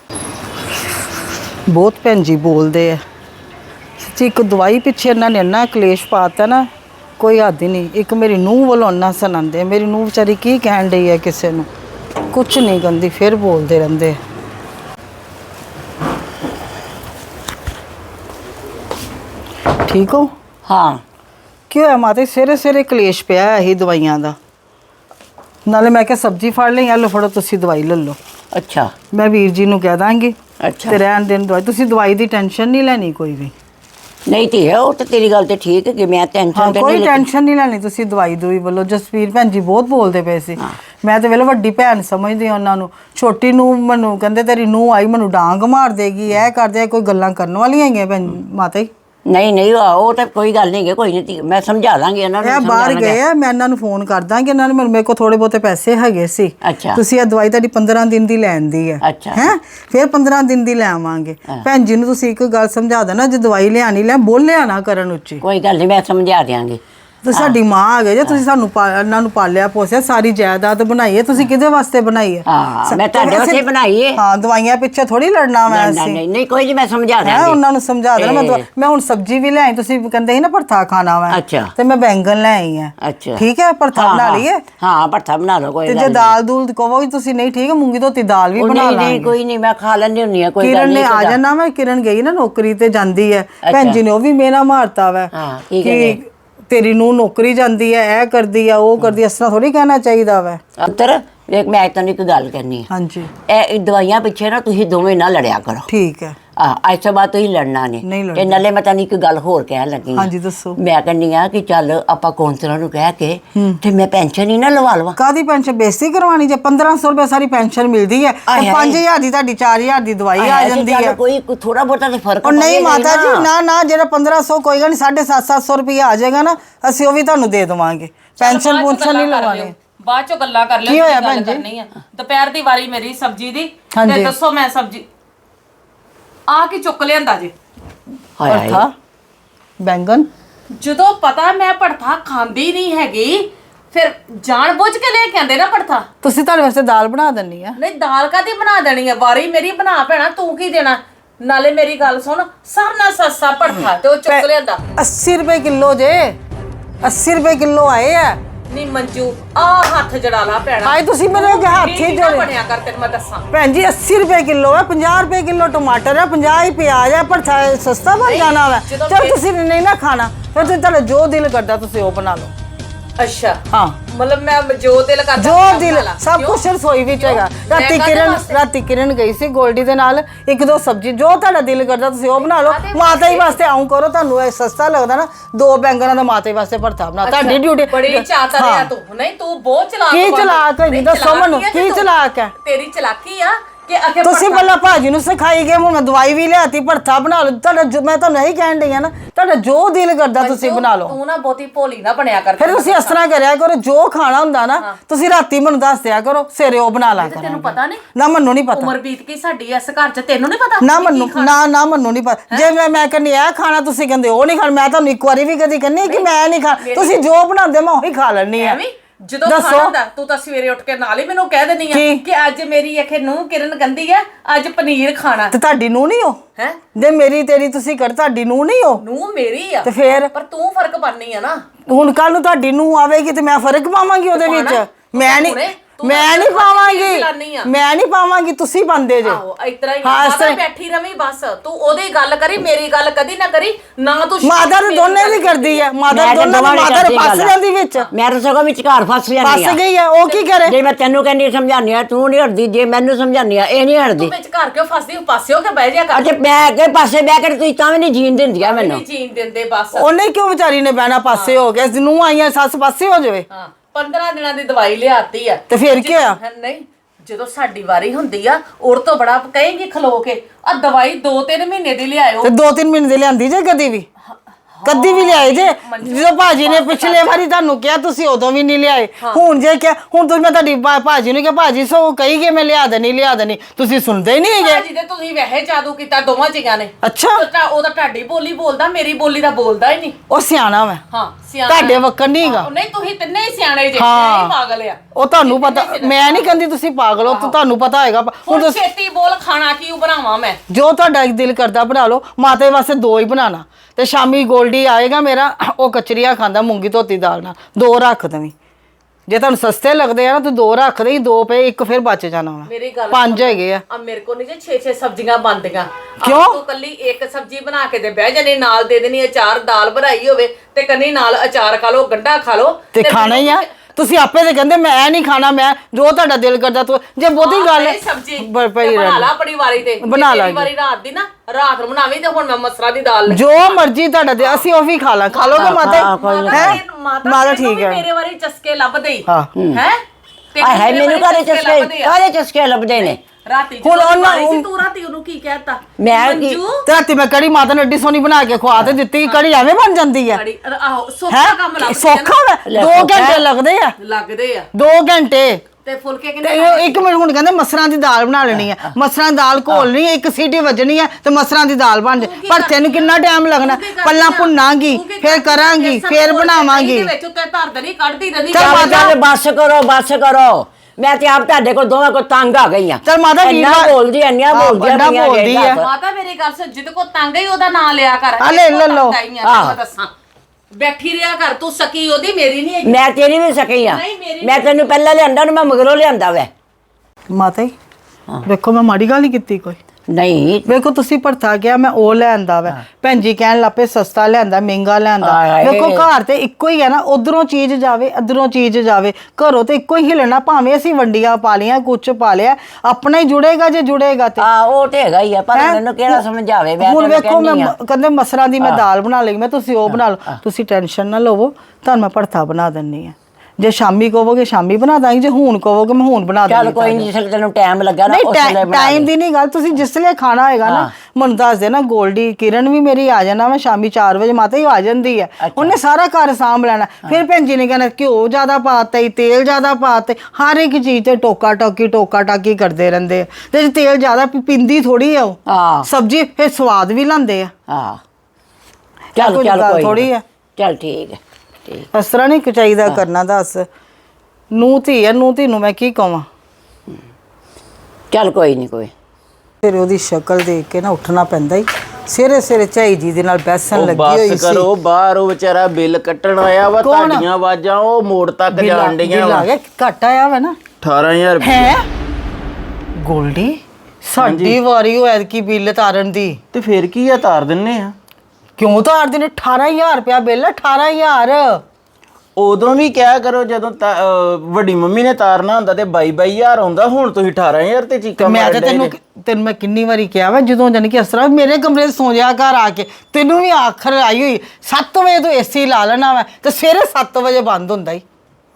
Speaker 4: ਬਹੁਤ ਭੈਣ ਜੀ ਬੋਲਦੇ ਆ ਸੱਚੀ ਇੱਕ ਦਵਾਈ ਪਿੱਛੇ ਇਹਨਾਂ ਨੇ ਇੰਨਾ ਕਲੇਸ਼ ਪਾਤਾ ਨਾ ਕੋਈ ਹੱਦ ਹੀ ਨਹੀਂ ਇੱਕ ਮੇਰੀ ਨੂੰਹ ਵੱਲੋਂ ਇੰਨਾ ਸੁਣਾਉਂਦੇ ਮੇਰੀ ਨੂੰਹ ਵਿਚਾਰੀ ਕੀ ਕਹਿਣ ਡਈ ਹੈ ਕਿਸੇ ਨੂੰ ਕੁਝ ਨਹੀਂ ਕਹਿੰਦੀ ਫਿਰ ਬੋਲਦੇ ਰਹਿੰਦੇ ਠੀਕ ਹੋ
Speaker 1: ਹਾਂ
Speaker 4: ਕੀ ਹੋਇਆ ਮਾਤਾ ਸਵੇਰੇ ਸਵੇਰੇ ਕਲੇਸ਼ ਪਿਆ ਇਹੀ ਦਵਾਈਆਂ ਦਾ ਨਾਲੇ ਮੈਂ ਕਿਹਾ ਸਬਜ਼ੀ ਫੜ ਲਈ ਆ ਲਓ ਫੜੋ ਤੁਸੀਂ ਦਵਾਈ ਲੈ ਲਓ
Speaker 1: ਅੱਛਾ
Speaker 4: ਮੈਂ ਵੀਰ ਜੀ ਨੂੰ ਕਹਿ ਦਾਂਗੀ
Speaker 1: ਅੱਛਾ
Speaker 4: ਤੇ ਰਹਿਣ ਦੇਣ ਦਵਾਈ ਤੁਸੀਂ ਦਵਾਈ ਦੀ ਟੈਨਸ਼ਨ ਨਹੀਂ ਲੈਣੀ ਕੋਈ ਵੀ
Speaker 1: ਨਹੀਂ ਧੀਏ ਉਹ ਤਾਂ ਤੇਰੀ ਗੱਲ ਤੇ ਠੀਕ ਹੈ ਕਿ ਮੈਂ
Speaker 4: ਹਾਂ
Speaker 1: ਟੈਨਸ਼ਨ ਤੇ
Speaker 4: ਕੋਈ
Speaker 1: ਨਹੀਂ
Speaker 4: ਟੈਨਸ਼ਨ ਨਹੀਂ ਲੈਣੀ ਤੁਸੀਂ ਦਵਾਈ ਦੂਈ ਵੱਲੋਂ ਜਸਵੀਰ ਭੈਣ ਜੀ ਬਹੁਤ ਬੋਲਦੇ ਪਏ ਸੀ ਮੈਂ ਤੇ ਵੇਲੇ ਵੱਡੀ ਭੈਣ ਸਮਝਦੀ ਹਾਂ ਉਹਨਾਂ ਨੂੰ ਛੋਟੀ ਨੂੰ ਮੈਨੂੰ ਕਹਿੰਦੇ ਤੇਰੀ ਨੂੰਹ ਆਈ ਮੈਨੂੰ ਡਾਂਗ ਮਾਰ ਦੇਗੀ ਇਹ ਕਰਦੇ ਕੋਈ ਗੱਲਾਂ ਕਰਨ ਵਾਲੀਆਂ ਹੈਗੀਆਂ ਭੈਣ ਮਾਤਾ ਜੀ
Speaker 1: ਨਹੀਂ ਨਹੀਂ ਉਹ ਉਹ ਤਾਂ ਕੋਈ ਗੱਲ ਨਹੀਂ ਹੈ ਕੋਈ ਨਹੀਂ ਧੀਏ, ਮੈਂ ਸਮਝਾ ਦਾਂਗੀ ਇਹਨਾਂ ਨੂੰ
Speaker 4: ਇਹ ਬਾਹਰ ਗਏ ਆ ਮੈਂ ਇਹਨਾਂ ਨੂੰ ਫੋਨ ਕਰ ਦਾਂਗੀ ਇਹਨਾਂ ਨੇ ਮੇਰੇ ਕੋਲ ਥੋੜੇ ਬਹੁਤੇ ਪੈਸੇ ਹੈਗੇ ਸੀ
Speaker 1: ਅੱਛਾ।
Speaker 4: ਤੁਸੀਂ ਇਹ ਦਵਾਈ ਤੁਹਾਡੀ ਪੰਦਰਾਂ ਦਿਨ ਦੀ ਲੈਣ ਦੀ ਹੈ
Speaker 1: ਅੱਛਾ।
Speaker 4: ਹੈ ਫਿਰ ਪੰਦਰਾਂ ਦਿਨ ਦੀ ਲੈ ਆਵਾਂਗੇ ਭੈਣ ਜੀ ਨੂੰ ਤੁਸੀਂ ਇੱਕ ਗੱਲ ਸਮਝਾ ਦੇਣਾ ਜੇ ਦਵਾਈ ਲਿਆਣੀ ਲੈ ਬੋਲਿਆ ਨਾ ਕਰਨ ਉੱਚੀ
Speaker 1: ਕੋਈ ਗੱਲ ਨਹੀਂ ਮੈਂ ਸਮਝਾ ਦਿਆਂਗੀ
Speaker 4: ਤੁਸੀਂ ਸਾਡੀ ਮਾਂ ਆ ਗਏ ਜੇ ਤੁਸੀਂ ਸਾਨੂੰ ਪਾ- ਇਹਨਾਂ ਨੂੰ ਪਾਲਿਆ ਪੋਸਿਆ ਸਾਰੀ ਜਾਇਦਾਦ ਬਣਾਈ ਹੈ ਤੁਸੀਂ ਕਿਹਦੇ ਵਾਸਤੇ ਬਣਾਈ ਹੈ
Speaker 1: ਹਾਂ ਮੈਂ ਤੁਹਾਡੇ ਵਾਸਤੇ ਬਣਾਈ ਹੈ
Speaker 4: ਹਾਂ ਦਵਾਈਆਂ ਪਿੱਛੇ ਥੋੜੀ ਲੜਨਾ ਮੈਂ
Speaker 1: ਨਹੀਂ
Speaker 4: ਅਸੀਂ
Speaker 1: ਨਹੀਂ ਨਹੀਂ ਕੋਈ ਨਹੀਂ ਮੈਂ ਸਮਝਾ
Speaker 4: ਹੈ
Speaker 1: ਦਿਆਂਗੀ
Speaker 4: ਉਹਨਾਂ ਨੂੰ ਸਮਝਾ ਦੇਣਾ ਮੈਂ ਦਵਾ- ਮੈਂ ਹੁਣ ਸਬਜ਼ੀ ਵੀ ਲੈ ਆਈ ਤੁਸੀਂ ਕਹਿੰਦੇ ਸੀ ਨਾ ਭਰਥਾ ਖਾਣਾ ਵਾ
Speaker 1: ਅੱਛਾ।
Speaker 4: ਤੇ ਮੈਂ ਬੈਂਗਣ ਲੈ ਆਈ ਆ
Speaker 1: ਅੱਛਾ
Speaker 4: ਠੀਕ ਹੈ ਭਰਥਾ
Speaker 1: ਹਾਂ,
Speaker 4: ਬਣਾ
Speaker 1: ਹਾਂ।
Speaker 4: ਲਈਏ
Speaker 1: ਹਾਂ ਭਰਥਾ ਬਣਾ ਲਓ ਕੋਈ
Speaker 4: ਤੇ
Speaker 1: ਗੱਲ
Speaker 4: ਜੇ
Speaker 1: ਨਹੀਂ
Speaker 4: ਦਾਲ ਦੂਲ ਕਹੋਗੇ ਤੁਸੀਂ ਨਹੀਂ ਠੀਕ ਹੈ ਮੂੰਗੀ ਧੋਤੀ ਦਾਲ ਵੀ
Speaker 1: ਉਹ
Speaker 4: ਬਣਾ
Speaker 1: ਨਹੀਂ ਨਹੀਂ
Speaker 4: ਲਾਂਗੇ
Speaker 1: ਕੋਈ ਨਹੀਂ ਮੈਂ ਖਾ ਲੈਂਦੀ ਹੁੰਨੀ ਆ ਕੋਈ ਗੱਲ
Speaker 4: ਕਿਰਨ
Speaker 1: ਨਹੀਂ
Speaker 4: ਨੇ ਆ ਜਾਣਾ ਮੈਂ ਕਿਰਨ ਗਈ ਨਾ ਨੌਕਰੀ ਤੇ ਜਾਂਦੀ ਹੈ
Speaker 1: ਅੱਛਾ।
Speaker 4: ਭੈਣ ਜੀ ਨੇ ਉਹ ਵੀ ਮੇਨਾ ਮਾਰਤਾ ਵਾ
Speaker 1: ਹਾਂ, ਕੀ
Speaker 4: ਕਿ
Speaker 1: ਕਹਿੰਦੇ?
Speaker 4: ਤੇਰੀ ਨੂੰ ਨੌਕਰੀ ਜਾਂਦੀ ਹੈ ਇਹ ਕਰਦੀ ਆ ਉਹ ਕਰਦੀ ਇਸ ਤਰ੍ਹਾਂ ਥੋੜੀ ਕਹਿਣਾ ਚਾਹੀਦਾ ਵਾ
Speaker 1: ਅੰਤਰ ਵੇਖ ਮੈਂ ਤੈਨੂੰ ਇੱਕ ਗੱਲ ਕਰਨੀ ਹੈ
Speaker 4: ਹਾਂਜੀ
Speaker 1: ਇਹ ਦਵਾਈਆਂ ਪਿੱਛੇ ਨਾ ਤੁਸੀਂ ਦੋਵੇਂ ਨਾ ਲੜਿਆ ਕਰੋ
Speaker 4: ਠੀਕ ਹੈ
Speaker 1: ਆ ਅੱਜ ਤੋਂ ਬਾਅਦ ਤੁਸੀਂ ਲੜਨਾ
Speaker 4: ਨਹੀਂ
Speaker 1: ਨਹੀਂ
Speaker 4: ਲੜਨਾ।
Speaker 1: ਤੇ ਨਾਲੇ ਮੈਂ ਤੈਨੂੰ ਇੱਕ ਗੱਲ ਹੋਰ ਕਹਿਣ ਲੱਗੀ ਹਾਂ।
Speaker 4: ਹਾਂਜੀ ਦੱਸੋ
Speaker 1: ਮੈਂ ਕਹਿੰਦੀ ਆ ਕਿ ਚੱਲ ਆਪਾਂ ਕੌਂਸਲਰ ਨੂੰ ਕਹਿ ਕੇ ਤੇ ਮੈਂ ਪੈਨਸ਼ਨ ਹੀ ਨਾ ਲਵਾ ਲਵਾਂ
Speaker 4: ਕਾਦੀ ਪੈਨਸ਼ਨ ਬੇਇੱਜ਼ਤੀ ਕਰਵਾਣੀ ਜੇ ਪੰਦਰਾਂ ਸੌ ਰੁਪਏ ਸਾਰੀ ਪੈਨਸ਼ਨ ਮਿਲਦੀ ਹੈ
Speaker 1: ਆਏ
Speaker 4: ਤੇ
Speaker 1: ਹਾਏ।
Speaker 4: ਪੰਜ ਹਜ਼ਾਰ ਦੀ ਤੁਹਾਡੀ ਚਾਰ ਹਜ਼ਾਰ ਦੀ ਦਵਾਈ ਆ
Speaker 1: ਆਏ ਤੇ
Speaker 4: ਜਾਂਦੀ
Speaker 1: ਚੱਲ
Speaker 4: ਹੈ
Speaker 1: ਕੋਈ ਥੋੜਾ ਬਹੁਤਾ ਤੇ ਫਰਕ
Speaker 4: ਉਹ ਨਹੀਂ
Speaker 1: ਪਵੇਗਾ ਹੀ
Speaker 4: ਮਾਤਾ ਜੀ ਨਾ ਨਾ ਜਿਹੜਾ ਪੰਦਰਾਂ ਸੌ ਕੋਈ ਗੱਲ ਨਹੀਂ ਸਾਢੇ ਸੱਤ ਸੱਤ ਸੌ ਰੁਪਏ ਆ ਜਾਏਗਾ ਨਾ ਅਸੀਂ ਉਹ ਵੀ ਤੁਹਾਨੂੰ ਦੇ ਦੇਵਾਂਗੇ ਪੈਨਸ਼ਨ ਪੁੰਸ਼ਨ ਨਹੀਂ ਲਵਾਣੀ
Speaker 3: ਬਾਅਦ ਚੋਂ ਗੱਲਾਂ ਕਰ ਲਿਓ
Speaker 4: ਕੀ ਹੋਇਆ
Speaker 3: ਗੱਲ
Speaker 4: ਭੈਣ ਜੀ?
Speaker 3: ਕਰਨੀ ਆ ਦੁਪਹਿਰ ਦੀ ਵਾਰੀ ਮੇਰੀ ਸਬਜ਼ੀ ਦੀ
Speaker 4: ਹਾਂਜੀ।
Speaker 3: ਤੇ ਦੱਸੋ ਮੈਂ ਸਬਜ਼ੀ ਆ ਕੀ ਚੁੱਕ ਲਿਆਂਦਾ ਜੇ
Speaker 1: ਹਾਏ ਹਾਏ
Speaker 4: ਭਰਥਾ ਬੈਂਗਣ
Speaker 3: ਜਦੋਂ ਪਤਾ ਮੈਂ ਭੜਥਾ ਖਾਂਦੀ ਨਹੀਂ ਹੈਗੀ ਫਿਰ ਜਾਣ ਬੁੱਝ ਕੇ ਲੈ ਕੇ ਆਂਦੇ ਨਾ ਭੜਥਾ
Speaker 4: ਤੁਸੀਂ ਤੁਹਾਡੇ ਵਾਸਤੇ ਦਾਲ ਬਣਾ ਦਿੰਨੀ ਆ
Speaker 3: ਨਹੀਂ ਦਾਲ ਕਾਦੀ ਬਣਾ ਦੇਣੀ ਆ ਵਾਰੀ ਮੇਰੀ ਬਣਾ ਭੈਣਾ ਤੂੰ ਕੀ ਦੇਣਾ ਨਾਲੇ ਮੇਰੀ ਗੱਲ ਸੁਣ ਸਰਨਾ ਸੱਸਾ ਭੜਥਾ ਤੇ ਉਹ ਚੁੱਕ ਲਿਆਂਦਾ
Speaker 4: अस्सी रुपए किलो जे अस्सी रुपए किलो आए है
Speaker 3: ਨਹੀਂ ਮੰਜੂ ਆ ਹੱਥ ਜੜਾ ਲਾ ਭੈਣਾ
Speaker 4: ਆਏ ਤੁਸੀਂ ਮੇਰੇ ਅੱਗੇ ਹੱਥ ਹੀ
Speaker 3: ਠੀਕ ਨਾ
Speaker 4: ਜੋੜੇ।
Speaker 3: ਬਣਿਆ ਕਰ ਤੈਨੂੰ ਮੈਂ ਦੱਸਾਂ
Speaker 4: ਭੈਣ ਜੀ अस्सी रुपए किलो है पचास रुपए किलो टमाटर है पचास ही प्याज है पर सस्ता बन
Speaker 3: नहीं,
Speaker 4: जाना है
Speaker 3: ਜਦੋਂ
Speaker 4: चल
Speaker 3: फिर-
Speaker 4: ਤੁਸੀਂ नहीं ना खाना फिर ਤੁਸੀਂ ਤੁਹਾਡਾ ਜੋ ਦਿਲ ਕਰਦਾ ਤੁਸੀਂ ਉਹ ਬਣਾ ਲਓ
Speaker 3: ਅੱਛਾ
Speaker 4: ਹਾਂ
Speaker 3: ਮਤਲਬ ਮੈਂ ਜੋ ਦਿਲ ਕਰਦਾ
Speaker 4: ਜੋ
Speaker 3: ਮੈਂ
Speaker 4: ਦਿਲ
Speaker 3: ਬਣਾ ਲਾ।
Speaker 4: ਸਭ
Speaker 3: ਕਿਉਂ?
Speaker 4: ਕੁਝ ਰਸੋਈ ਵਿੱਚ ਹੈਗਾ
Speaker 3: ਮੈਂ
Speaker 4: ਰਾਤੀ
Speaker 3: ਕਾਹਦੇ
Speaker 4: ਕਿਰਨ
Speaker 3: ਵਾਸਤੇ?
Speaker 4: ਰਾਤੀ ਕਿਰਨ ਗਈ ਸੀ ਗੋਲਡੀ ਦੇ ਨਾਲ ਇੱਕ ਦੋ ਸਬਜ਼ੀ ਜੋ ਤੁਹਾਡਾ ਦਿਲ ਕਰਦਾ ਤੁਸੀਂ ਉਹ ਬਣਾ ਲਓ
Speaker 3: ਕਾਹਦੇ
Speaker 4: ਮਾਤਾ ਜੀ ਵਾਸਤੇ ਆਉਂ ਕਰੋ ਤੁਹਾਨੂੰ ਇਹ ਸਸਤਾ ਲੱਗਦਾ ਨਾ ਦੋ ਬੈਂਗਣਾ ਦਾ ਮਾਤਾ ਜੀ ਵਾਸਤੇ ਭਰਤਾ ਬਣਾ ਤੁਹਾਡੀ ਡਿਊਟੀ
Speaker 3: ਬੜੀ ਚਾਹਤਾ ਰਿਹਾ ਤੂੰ ਨਹੀਂ ਤੂੰ ਬਹੁਤ ਚਲਾਕ
Speaker 4: ਕੀ
Speaker 3: ਬਣ-
Speaker 4: ਚਲਾਕ ਹੈਗੀ?
Speaker 3: ਨਹੀਂ,
Speaker 4: ਦੱਸੋ
Speaker 3: ਚਲਾਕ
Speaker 4: ਮੈਨੂੰ,
Speaker 3: ਹੀ ਆ
Speaker 4: ਕੀ
Speaker 3: ਤੂੰ?
Speaker 4: ਚਲਾਕ ਹੈ?
Speaker 3: ਤੇਰੀ ਚਲਾਕੀ ਆ ਕਿ ਅਖੇ
Speaker 4: ਤੁਸੀਂ ਪਹਿਲਾਂ ਭਾਜੀ ਨੂੰ ਸਿਖਾਈ ਗਏ ਹੁਣ ਮੈਂ ਦਵਾਈ ਵੀ ਲਿਆਤੀ ਭਰਤਾ ਬਣਾ ਲਓ ਤੁਹਾਡਾ ਜੋ- ਮੈਂ ਤੁਹਾਨੂੰ ਇਹੀ ਕਹਿਣ ਡਈ ਆ ਨਾ ਤੁਹਾਡਾ ਜੋ ਦਿਲ ਕਰਦਾ ਤੁਸੀਂ ਬਣਾ ਲਓ
Speaker 3: ਤੂੰ ਨਾ ਬਹੁਤੀ ਭੋਲੀ ਨਾ ਬਣਿਆ ਕਰ
Speaker 4: ਫਿਰ ਤੁਸੀਂ ਇਸ ਤਰ੍ਹਾਂ ਕਰਿਆ ਕਰੋ ਜੋ ਖਾਣਾ ਹੁੰਦਾ ਨਾ ਤੁਸੀਂ ਰਾਤੀ ਮੈਨੂੰ ਦੱਸ ਦਿਆ ਕਰੋ ਸਵੇਰੇ ਉਹ ਬਣਾ ਲਾ ਕਰਾਂਗੇ
Speaker 3: ਤੈਨੂੰ ਪਤਾ ਨਹੀਂ
Speaker 4: ਨਾ ਮੈਨੂੰ ਨਹੀਂ ਪਤਾ
Speaker 3: ਉਮਰ ਬੀਤ ਗਈ ਸਾਡੀ ਇਸ ਘਰ 'ਚ ਤੈਨੂੰ ਨਹੀਂ ਪਤਾ
Speaker 4: ਨਾ ਮੈਨੂੰ ਨਾ ਨਾ ਮੈਨੂੰ ਨਹੀਂ ਪਤਾ ਜੇ ਮੈਂ ਮੈਂ ਕਹਿੰਦੀ ਇਹ ਖਾਣਾ ਤੁਸੀਂ ਕਹਿੰਦੇ ਉਹ ਨਹੀਂ ਖਾਣਾ ਮੈਂ ਤੁਹਾਨੂੰ ਇੱਕ ਵਾਰੀ ਵੀ ਕਦੀ ਕਹਿੰਦੀ ਕਿ ਮੈਂ ਨਹੀਂ ਖਾ ਤੁਸੀਂ ਜੋ ਬਣਾਉਂਦੇ ਮੈਂ ਉਹੀ ਖਾ ਲੈਣੀ ਆ
Speaker 3: ਐਵੇਂ ਜਦੋਂ ਖਾਣਾ ਹੁੰਦਾ ਤੂੰ ਤਾਂ ਸਵੇਰੇ ਉੱਠ ਕੇ ਨਾਲ ਹੀ ਮੈਨੂੰ ਕਹਿ ਦਿੰਦੀ ਆ
Speaker 4: ਕੀ?
Speaker 3: ਕਿ ਅੱਜ ਮੇਰੀ ਅਖੇ ਨੂੰ ਕਿਰਨ ਗੰਦੀ ਆ ਅੱਜ ਪਨੀਰ ਖਾਣਾ
Speaker 4: ਤੇ ਤੁਹਾਡੀ ਨੂੰ ਨਹੀਂ ਹੋ
Speaker 3: ਹੈ
Speaker 4: ਜੇ ਮੇਰੀ ਤੇਰੀ ਤੁਸੀਂ ਕਰ ਤੁਹਾਡੀ ਨੂੰ ਨਹੀਂ ਹੋ
Speaker 3: ਨੂੰ ਮੇਰੀ ਆ
Speaker 4: ਤੇ ਫੇਰ
Speaker 3: ਪਰ ਤੂੰ ਫਰਕ ਪਾਣੀ ਆ ਨਾ
Speaker 4: ਹੁਣ ਕੱਲ ਨੂੰ ਤੁਹਾਡੀ ਨੂੰ ਆਵੇਗੀ ਤੇ ਮੈਂ ਫਰਕ ਪਾਵਾਂਗੀ ਉਹਦੇ ਵਿੱਚ
Speaker 3: ਪਾਉਣਾ?
Speaker 4: ਮੈਂ
Speaker 3: ਤੂੰ
Speaker 4: ਨਹੀਂ
Speaker 3: ਹੁਣੇ- ਤੂੰ
Speaker 4: ਮੈਂ
Speaker 3: ਤਾਂ
Speaker 4: ਨਹੀਂ
Speaker 3: ਆਪਣੀ ਚੀਜ਼ ਚਲਾਉਣੀ
Speaker 4: ਪਾਵਾਂਗੀ
Speaker 3: ਆ।
Speaker 4: ਮੈਂ ਨਹੀਂ ਪਾਵਾਂਗੀ ਤੁਸੀਂ ਪਾਉਂਦੇ ਜੇ
Speaker 3: ਆਹੋ ਇਤਰਾ ਹੀ
Speaker 4: ਹਾਂ, ਇਸ
Speaker 3: ਮਾਤਾ
Speaker 4: ਤਰ੍ਹਾਂ-
Speaker 3: ਬੈਠੀ ਰਵੀ ਬਸ ਤੂੰ ਉਹਦੀ ਗੱਲ ਕਰੀ ਮੇਰੀ ਗੱਲ ਕਦੀ ਨਾ ਕਰੀ ਨਾ ਤੂੰ
Speaker 4: ਮਾਤਾ ਤੇ ਦੋਨੇ ਦੀ ਕਰਦੀ ਹੈ ਮਾਤਾ
Speaker 1: ਮੈਂ ਤਾਂ
Speaker 4: ਦੋਨਾਂ
Speaker 1: ਦੋਵਾਂ
Speaker 4: ਦੀ
Speaker 1: ਦੀ
Speaker 4: ਮਾਤਾ
Speaker 1: ਕਰਦੀ
Speaker 4: ਦੇ ਫਸ
Speaker 1: ਗੱਲ।
Speaker 4: ਜਾਂਦੀ ਵਿੱਚ
Speaker 1: ਮੈਂ ਤਾਂ ਸਗੋਂ ਵਿਚਕਾਰ ਫਸ ਜਾਂਦੀ
Speaker 4: ਫਸ ਗਈ ਹੈ ਉਹ ਕੀ ਕਰੇ
Speaker 1: ਜੇ ਮੈਂ ਤੈਨੂੰ ਕਹਿੰਦੀ ਸਮਝਾਉਂਦੀ ਆ ਤੂੰ ਨਹੀਂ ਹਟਦੀ ਜੇ ਮੈਨੂੰ ਸਮਝਾਉਂਦੀ ਆ ਇਹ ਨਹੀਂ ਹਟਦੀ
Speaker 3: ਤੂੰ ਵਿੱਚ ਘਰ ਕਿਉਂ ਫਸਦੀ ਹੋ ਪਾਸੇ ਹੋ ਕੇ ਬਹਿ ਜਾ ਕਰ
Speaker 1: ਅੱਛਾ ਮੈਂ ਅੱਗੇ ਪਾਸੇ ਬਹਿ ਕੇ ਤੁਸੀਂ ਤਾਂ ਵੀ ਨਹੀਂ ਜੀਣ ਦਿੰਦੀਆਂ ਮੈਨੂੰ
Speaker 3: ਨਹੀਂ ਜੀਣ ਦਿੰਦੇ ਬਸ
Speaker 4: ਉਹਨੇ ਕਿਉਂ ਵਿਚਾਰੀ ਨੇ ਬਹਿਣਾ ਪਾਸੇ ਹੋ ਗਿਆ ਨੂੰ ਆਈਆਂ ਸੱਸ ਪਾਸੇ ਹੋ ਜਾਵੇ
Speaker 3: ਹਾਂ ਪੰਦਰਾਂ ਦਿਨਾਂ ਦੀ ਦਵਾਈ ਲਿਆਤੀ ਆ
Speaker 4: ਤੇ ਫਿਰ ਕੀ ਆ
Speaker 3: ਹੈ ਨਹੀਂ ਜਦੋਂ ਸਾਡੀ ਵਾਰੀ ਹੁੰਦੀ ਆ ਔਰ ਤੋਂ ਬੜਾ ਕਹੇਗੀ ਖਲੋ ਕੇ ਆ ਦਵਾਈ ਦੋ ਤਿੰਨ ਮਹੀਨੇ ਦੀ ਲਿਆਇਓ
Speaker 4: ਤੇ ਦੋ ਤਿੰਨ ਮਹੀਨੇ ਦੀ ਲਿਆਂਦੀ ਜੇ ਕਦੀ ਵੀ ਕਦੀ ਵੀ ਲਿਆਏ ਜੇ ਜਦੋਂ ਭਾਜੀ ਨੇ ਪਿਛਲੇ ਵਾਰੀ ਤੁਹਾਨੂੰ ਕਿਹਾ ਤੁਸੀਂ ਉਦੋਂ ਵੀ ਨਹੀਂ ਲਿਆਏ ਹੁਣ ਜੇ ਕਿਹਾ ਹੁਣ ਤੁਸੀਂ ਮੈਂ ਤੁਹਾਡੀ ਭਾ- ਭਾਜੀ ਨੂੰ ਕਿਹਾ ਭਾਜੀ ਸੋ ਕਹੀ ਗਏ ਮੈਂ ਲਿਆ ਦੇਣੀ ਲਿਆ ਦੇਣੀ ਤੁਸੀਂ ਸੁਣਦੇ ਹੀ ਨਹੀਂ ਹੈਗੇ
Speaker 3: ਭਾਜੀ ਤੇ ਤੁਸੀਂ ਵੈਸੇ ਜਾਦੂ ਕੀਤਾ ਦੋਵਾਂ ਜੀਆਂ ਨੇ
Speaker 4: ਅੱਛਾ
Speaker 3: ਉਹ ਤਾਂ ਉਹ ਤਾਂ ਤੁਹਾਡੀ ਬੋਲੀ ਬੋਲਦਾ ਮੇਰੀ ਬੋਲੀ ਦਾ ਬੋਲਦਾ ਹੀ ਨਹੀਂ
Speaker 4: ਉਹ ਸਿਆਣਾ ਵਾ
Speaker 3: ਹਾਂ ਸਿਆਣਾ
Speaker 4: ਤੁਹਾਡੇ ਵਕਨ ਨਹੀਂ ਹੈਗਾ
Speaker 3: ਨਹੀਂ ਤੁਸੀਂ ਤਿੰਨੇ ਹੀ ਸਿਆਣੇ ਜੇ
Speaker 4: ਹਾਂ।
Speaker 3: ਨਹੀਂ ਪਾਗਲ ਆ
Speaker 4: ਉਹ ਤੁਹਾਨੂੰ ਪਤਾ ਮੈਂ ਨਹੀਂ ਕਹਿੰਦੀ ਤੁਸੀਂ ਪਾਗਲ ਹੋ ਤੁਹਾਨੂੰ ਪਤਾ ਹੋਏਗਾ ਹੁਣ
Speaker 3: ਹੁਣ
Speaker 4: ਤੁਸੀਂ
Speaker 3: ਛੇਤੀ ਬੋਲ ਖਾਣਾ ਕੀ ਬਣਾਵਾਂ ਮੈਂ
Speaker 4: ਜੋ ਤੁਹਾਡਾ ਦਿਲ ਕਰਦਾ ਬਣਾ ਲਓ ਮਾਤਾ ਦੇ ਵਾਸਤੇ ਦੋ ਹੀ ਬਣਾਣਾ ਤੇ ਸ਼ਾਮੀ ਗੋਲਡੀ ਆਏਗਾ ਮੇਰਾ ਉਹ ਕਚਰੀਆਂ ਖਾਂਦਾ ਮੂੰਗੀ ਧੋਤੀ ਦਾਲ ਨਾਲ ਦੋ ਰੱਖ ਦੇਵੀਂ ਜੇ ਤੁਹਾਨੂੰ ਸਸਤੇ ਲੱਗਦੇ ਆ ਨਾ ਤੇ ਦੋ ਰੱਖ ਦੇਈ ਦੋ ਪਏ ਇੱਕ ਫਿਰ ਬਚ ਜਾਣਾ ਵਾ
Speaker 3: ਮੇਰੀ ਗੱਲ
Speaker 4: ਪੰਜ ਹੈਗੇ ਆ
Speaker 3: ਆ ਮੇਰੇ ਕੋ ਨਹੀਂ ਜੇ ਛੇ ਛੇ ਸਬਜ਼ੀਆਂ ਬਣਦੀਆਂ
Speaker 4: ਕਿਉਂ?
Speaker 3: ਤੂੰ ਕੱਲੀ ਇੱਕ ਸਬਜ਼ੀ ਬਣਾ ਕੇ ਤੇ ਬਹਿ ਜਾਣੀ ਨਾਲ ਦੇ ਦੇਣੀ ਅਚਾਰ ਦਾਲ ਬਣਾਈ ਹੋਵੇ ਤੇ ਕੰਨੀ ਨਾਲ ਅਚਾਰ ਖਾ ਲਓ ਗੰਢਾ ਖਾ ਲਓ
Speaker 4: ਤੇ ਖਾਣਾ ਹੀ ਆ ਤੁਸੀਂ ਆਪੇ ਤੇ ਕਹਿੰਦੇ ਮੈਂ ਨਹੀਂ ਖਾਣਾ ਮੈਂ ਜੋ ਤੁਹਾਡਾ ਦਿਲ ਕਰਦਾ ਤੂੰ ਜੇ ਬਹੁਤੀ ਗੱਲ
Speaker 3: ਇਹ ਸਬਜ਼ੀ
Speaker 4: ਬ- ਪਈ
Speaker 3: ਤੇ ਬਣਾ
Speaker 4: ਰਹਿਣ।
Speaker 3: ਲਾ ਆਪਣੀ ਵਾਰੀ ਤੇ
Speaker 4: ਬਣਾ
Speaker 3: ਜੇ ਤੇਰੀ
Speaker 4: ਲਾਂਗੇ।
Speaker 3: ਵਾਰੀ ਰਾਤ ਦੀ ਨਾ ਰਾਤ ਨੂੰ ਬਣਾਵੀਂ ਤੇ ਹੁਣ ਮੈਂ ਮਸਰਾ ਦੀ ਦਾਲ ਲੈ
Speaker 4: ਜੋ ਮਰਜ਼ੀ ਤੁਹਾਡਾ ਦੇ ਅਸੀਂ ਉਹ ਵੀ ਖਾ ਲਾਂ ਖਾ ਲੋਗੇ ਮਾਤਾ ਹੈ ਮਾਤਾ ਠੀਕ ਹੈ
Speaker 3: ਮੇਰੇ ਵਾਰੀ ਚਸਕੇ ਲੱਭਦੇ ਹੀ
Speaker 4: ਹਾਂ
Speaker 3: ਹੈ
Speaker 1: ਆਏ ਹਾਏ ਮੈਨੂੰ ਕਾਹਦੇ ਚਸਕੇ ਕਾਹਦੇ ਚਸਕੇ ਲੱਭਦੇ ਨੇ
Speaker 3: ਰਾਤੀ
Speaker 4: ਹੁਣ
Speaker 3: ਹੁਣ
Speaker 4: ਉਹਨਾਂ-
Speaker 3: ਉਹਨਾਂ ਤੂੰ ਰਾਤੀ ਉਹਨੂੰ ਕੀ ਕਹਿਤਾ
Speaker 1: ਮੈਂ ਕੀ-
Speaker 3: ਮੰਜੂ
Speaker 4: ਤੇ ਰਾਤੀ ਮੈਂ ਕੜੀ ਮਾਤਾ ਨੇ ਏਡੀ ਸੋਹਣੀ ਬਣਾ ਕੇ ਖਵਾ ਤੇ ਦਿੱਤੀ ਕੜੀ ਐਵੇਂ ਬਣ ਜਾਂਦੀ ਹੈ
Speaker 3: ਕੜੀ ਆਹੋ ਸੌਖਾ
Speaker 4: ਹੈ
Speaker 3: ਕੰਮ ਲੱਭਦੇ
Speaker 4: ਸੌਖਾ ਵਾ
Speaker 1: ਲੈ,
Speaker 4: ਦੋ
Speaker 1: ਸੌਖਾ
Speaker 4: ਘੰਟੇ
Speaker 1: ਹੈ।
Speaker 4: ਲੱਗਦੇ ਆ
Speaker 3: ਲੱਗਦੇ ਆ
Speaker 4: ਦੋ ਘੰਟੇ
Speaker 3: ਤੇ ਫੁਲਕੇ
Speaker 4: ਤੇ
Speaker 3: ਕਿੰਨੇ
Speaker 4: ਇਹ ਇੱਕ ਮਿੰਟ ਹੁਣ ਕਹਿੰਦੇ ਮਸਰਾਂ ਦੀ ਦਾਲ ਬਣਾ ਲੈਣੀ ਹੈ ਮਸਰਾਂ ਦੀ ਦਾਲ ਘੋਲਣੀ ਹੈ ਇੱਕ ਸੀਟੀ ਵੱਜਣੀ ਹੈ ਤੇ ਮਸਰਾਂ ਦੀ ਦਾਲ ਬਣ ਜੇ
Speaker 3: ਤੂੰ ਕੀ
Speaker 4: ਪਰ
Speaker 3: ਕਰਦੀ
Speaker 4: ਤੈਨੂੰ ਕਿੰਨਾ ਟਾਈਮ ਲੱਗਣਾ
Speaker 3: ਤੂੰ ਕੀ ਕਰਦੀ
Speaker 4: ਪੱਲਾ
Speaker 3: ਆ?
Speaker 4: ਭੁੰਨਾਂਗੀ
Speaker 3: ਤੂੰ ਕੀ
Speaker 4: ਫਿਰ
Speaker 3: ਕਰਦੀ ਆ?
Speaker 4: ਕਰਾਂਗੀ
Speaker 3: ਬੇਸਣ
Speaker 4: ਫਿਰ
Speaker 3: ਘੋਲ ਕੇ
Speaker 4: ਬਣਾਵਾਂਗੀ
Speaker 3: ਦਹੀਂ ਦੇ ਵਿੱਚ ਉੱਤੇ ਧਰ ਦੇਣੀ ਕੱਢਦੀ ਰਹਿੰਦੀ
Speaker 4: ਚੱਲ
Speaker 1: ਚੱਲ
Speaker 4: ਮਾਤਾ-
Speaker 1: ਚੱਲ ਬੱਸ ਕਰੋ ਬੱਸ ਕਰੋ ਮੈਂ ਤੇ ਆਪ ਤੁਹਾਡੇ ਕੋਲ ਦੋਵਾਂ ਕੋ ਤੰਗ ਆ ਗਈ ਆ
Speaker 4: ਚੱਲ ਮਾਤਾ
Speaker 1: ਇੰਨਾ
Speaker 4: ਵੀਰਵਾਰ-
Speaker 1: ਬੋਲਦੀ ਇੰਨੀਆਂ
Speaker 4: ਹਾਂ,
Speaker 1: ਬੋਲਦੀਆਂ
Speaker 4: ਇੰਨਾ
Speaker 1: ਪਈਆਂ
Speaker 4: ਬੋਲਦੀ
Speaker 1: ਜੇ
Speaker 4: ਆ।
Speaker 1: ਦੱਸ।
Speaker 3: ਮਾਤਾ ਮੇਰੀ ਗੱਲ ਸੁਣ ਜਿਹਦੇ ਕੋ ਤੰਗ ਹੀ ਉਹਦਾ ਨਾਂ ਲਿਆ ਕਰ
Speaker 4: ਆ ਲੈ, ਲੈ ਲਓ।
Speaker 3: ਆਹ ਦੱਸਾਂ ਬੈਠੀ ਰਿਆ ਕਰ ਤੂੰ ਸਕੀ ਉਹਦੀ ਮੇਰੀ ਨਹੀਂ ਹੈਗੀ
Speaker 1: ਮੈਂ ਤੇਰੀ ਵੀ ਸਕੀ ਆ
Speaker 3: ਨਹੀਂ, ਮੇਰੀ
Speaker 1: ਮੈਂ ਤੈਨੂੰ ਪਹਿਲਾਂ ਲਿਆਂਦਾ ਨੂੰ ਮੈਂ ਮਗਰੋਂ ਲਿਆਂਦਾ ਵੈ
Speaker 4: ਮਾਤਾ ਜੀ ਵੇਖੋ ਮੈਂ ਮਾੜੀ ਗੱਲ ਹੀ ਕੀਤੀ ਕੋਈ
Speaker 1: ਨਹੀਂ
Speaker 4: ਵੇਖੋ ਤੁਸੀਂ ਭਰਥਾ ਗਿਆ ਮੈਂ ਉਹ ਲੈਂਦਾ ਵਾ ਭੈਣ ਜੀ ਕਹਿਣ ਲੱਪੇ ਸਸਤਾ ਲੈਂਦਾ ਮਹਿੰਗਾ ਲੈਂਦਾ
Speaker 1: ਹਾਏ।
Speaker 4: ਵੇਖੋ ਘਰ ਤੇ ਇੱਕੋ ਹੀ ਹੈ ਨਾ ਉਧਰੋਂ ਚੀਜ਼ ਜਾਵੇ ਅਧਰੋਂ ਚੀਜ਼ ਜਾਵੇ ਘਰੋਂ ਤੇ ਇੱਕੋ ਹੀ ਹਿਲਣਾ ਭਾਵੇਂ ਅਸੀਂ ਵੰਡੀਆਂ ਪਾ ਲੀਆਂ ਕੁਛ ਪਾ ਲਿਆ ਆਪਣਾ ਹੀ ਜੁੜੇਗਾ ਜੇ ਜੁੜੇਗਾ ਤੇ
Speaker 1: ਆ ਉਹ ਤੇ ਹੈਗਾ ਹੀ ਆ ਪਰ
Speaker 4: ਹੈਂ?
Speaker 1: ਮੈਨੂੰ ਕਿਹੜਾ ਸਮਝਾਵੇ ਮੈਂ
Speaker 4: ਹੁਣ
Speaker 1: ਤੈਨੂੰ
Speaker 4: ਵੇਖੋ ਮੈਂ
Speaker 1: ਕਹਿੰਦੀ ਆ
Speaker 4: ਮ- ਕਹਿੰਦੇ ਮਸਰਾਂ ਦੀ ਮੈਂ ਦਾਲ ਬਣਾ ਲਈ ਮੈਂ ਤੁਸੀਂ ਉਹ ਬਣਾ ਲਓ ਤੁਸੀਂ ਟੈਨਸ਼ਨ ਨਾ ਲਵੋ ਤੁਹਾਨੂੰ ਮੈਂ ਭਰਥਾ ਬਣਾ ਦਿੰਨੀ ਆ ਜੇ ਸ਼ਾਮੀ ਕਹੋਗੇ ਸ਼ਾਮੀ ਬਣਾ ਦਾਂਗੀ ਜੇ ਹੁਣ ਕਹੋਗੇ ਮੈਂ ਹੁਣ ਬਣਾ ਦਾਂਗੀ
Speaker 1: ਚੱਲ ਕੋਈ ਨਹੀਂ ਜਿਸ ਤੈਨੂੰ ਟਾਈਮ ਲੱਗਾ ਨਾ
Speaker 4: ਨਹੀਂ
Speaker 1: ਉਸ ਵੇਲੇ ਬਣਾ
Speaker 4: ਟਾਈਮ
Speaker 1: ਲਈ।
Speaker 4: ਦੀ ਨਹੀਂ ਗੱਲ ਤੁਸੀਂ ਜਿਸ ਲਈ ਖਾਣਾ ਹੋਏਗਾ ਨਾ ਮੈਨੂੰ ਦੱਸ ਦੇਣਾ ਗੋਲਡੀ ਕਿਰਨ ਵੀ ਮੇਰੀ ਆ ਜਾਣਾ ਮੈਂ ਸ਼ਾਮੀ ਚਾਰ ਵਜੇ ਮਾਤਾ ਹੀ ਆ ਜਾਂਦੀ ਹੈ ਉਹਨੇ ਸਾਰਾ ਘਰ ਸਾਂਭ ਲੈਣਾ ਫਿਰ ਭੈਣ ਜੀ ਨੇ ਕਹਿਣਾ ਘਿਓ ਜ਼ਿਆਦਾ ਪਾਤਾ ਹੀ ਤੇਲ ਜ਼ਿਆਦਾ ਪਾਤੇ ਹਰ ਇੱਕ ਚੀਜ਼ ਤੇ ਟੋਕਾ ਟੋਕੀ ਟੋਕਾ ਟਾਕੀ ਕਰਦੇ ਰਹਿੰਦੇ ਆ ਤੇ ਜੇ ਤੇਲ ਜ਼ਿਆਦਾ ਪੀ- ਪੀਂਦੀ ਥੋੜੀ ਆ ਉਹ
Speaker 1: ਹਾਂ
Speaker 4: ਸਬਜ਼ੀ ਫਿਰ ਸਵਾਦ ਵੀ ਲਾਂਦੇ ਆ
Speaker 1: ਹਾਂ ਚੱਲ
Speaker 4: ਕੋਈ
Speaker 1: ਚੱਲ
Speaker 4: ਗੱਲ
Speaker 1: ਕੋਈ
Speaker 4: ਥੋੜ੍ਹੀ
Speaker 1: ਨੀ।
Speaker 4: ਆ।
Speaker 1: ਚੱਲ ਠੀਕ ਹੈ ਠੀਕ
Speaker 4: ਇਸ ਤਰ੍ਹਾਂ ਨਹੀਂ ਚਾਹੀਦਾ ਕਰਨਾ ਦੱਸ ਨੂੰ ਧੀ ਆ ਨੂੰ ਧੀ ਨੂੰ ਮੈਂ ਕੀ ਕਹਾਂ
Speaker 1: ਚੱਲ ਕੋਈ ਨਹੀਂ ਕੋਈ
Speaker 4: ਫਿਰ ਉਹਦੀ ਸ਼ਕਲ ਦੇਖ ਕੇ ਨਾ ਉੱਠਣਾ ਪੈਂਦਾ ਹੀ ਸਿਰੇ ਸਿਰੇ ਝਾਈ ਜੀ ਦੇ ਨਾਲ ਬੈਸਣ
Speaker 5: ਉਹ
Speaker 4: ਲੱਗੀ ਹੋਈ
Speaker 5: ਬਸ
Speaker 4: ਸੀ
Speaker 5: ਕਰੋ ਬਾਹਰ ਉਹ ਵਿਚਾਰਾ ਬਿੱਲ ਕੱਟਣ ਆਇਆ ਵਾ
Speaker 4: ਕੌਣ?
Speaker 5: ਤੁਹਾਡੀਆਂ ਆਵਾਜ਼ਾਂ ਉਹ ਮੋੜ ਤੱਕ
Speaker 4: ਬਿੱਲ ਆ-
Speaker 5: ਜਾਣ ਡੀਆਂ
Speaker 4: ਬਿੱਲ ਆ
Speaker 5: ਵਾ
Speaker 4: ਗਿਆ ਘੱਟ ਆਇਆ ਵਾ ਨਾ
Speaker 5: ਅਠਾਰਾਂ ਹਜ਼ਾਰ ਰੁਪਏ
Speaker 4: ਹੈ ਗੋਲਡੀ ਸਾਡੀ ਵਾਰੀ ਉਹ ਐਤਕੀ ਬਿੱਲ ਤਾਰਨ ਦੀ
Speaker 5: ਤੇ ਫਿਰ ਕੀ ਆ ਤਾਰ ਦਿੰਨੇ ਆ
Speaker 4: ਕਿਉਂ ਤਾਰਦੇ ਨੇ ਅਠਾਰਾਂ ਹਜ਼ਾਰ ਰੁਪਇਆ ਬਿੱਲ ਅਠਾਰਾਂ ਹਜ਼ਾਰ
Speaker 5: ਉਦੋਂ ਵੀ ਕਿਹਾ ਕਰੋ ਜਦੋਂ ਤਾ- ਅਹ ਵੱਡੀ ਮੰਮੀ ਨੇ ਤਾਰਨਾ ਹੁੰਦਾ ਤੇ ਬਾਈ ਬਾਈ ਹਜ਼ਾਰ ਆਉਂਦਾ, ਹੁਣ ਤੁਸੀਂ ਅਠਾਰਾਂ ਹਜ਼ਾਰ ਤੇ ਚੀਕਾਂ
Speaker 4: ਮੈਂ
Speaker 5: ਮਾਰਨ
Speaker 4: ਤਾਂ
Speaker 5: ਡਏ
Speaker 4: ਤੈਨੂੰ
Speaker 5: ਜੇ।
Speaker 4: ਤੈਨੂੰ ਮੈਂ ਕਿੰਨੀ ਵਾਰੀ ਕਿਹਾ ਵਾ ਜਦੋਂ ਜਾਨੀ ਕਿ ਇਸ ਤਰ੍ਹਾਂ ਮੇਰੇ ਕਮਰੇ 'ਚ ਸੌਂ ਜਾ ਘਰ ਆ ਕੇ, ਤੈਨੂੰ ਵੀ ਆਖਰ ਆਈ ਹੋਈ ਸੱਤ ਵਜੇ ਤੋਂ ਏਸੀ ਲਾ ਲੈਣਾ ਵਾ ਤੇ ਸਵੇਰੇ ਸੱਤ ਵਜੇ ਬੰਦ ਹੁੰਦਾ ਈ।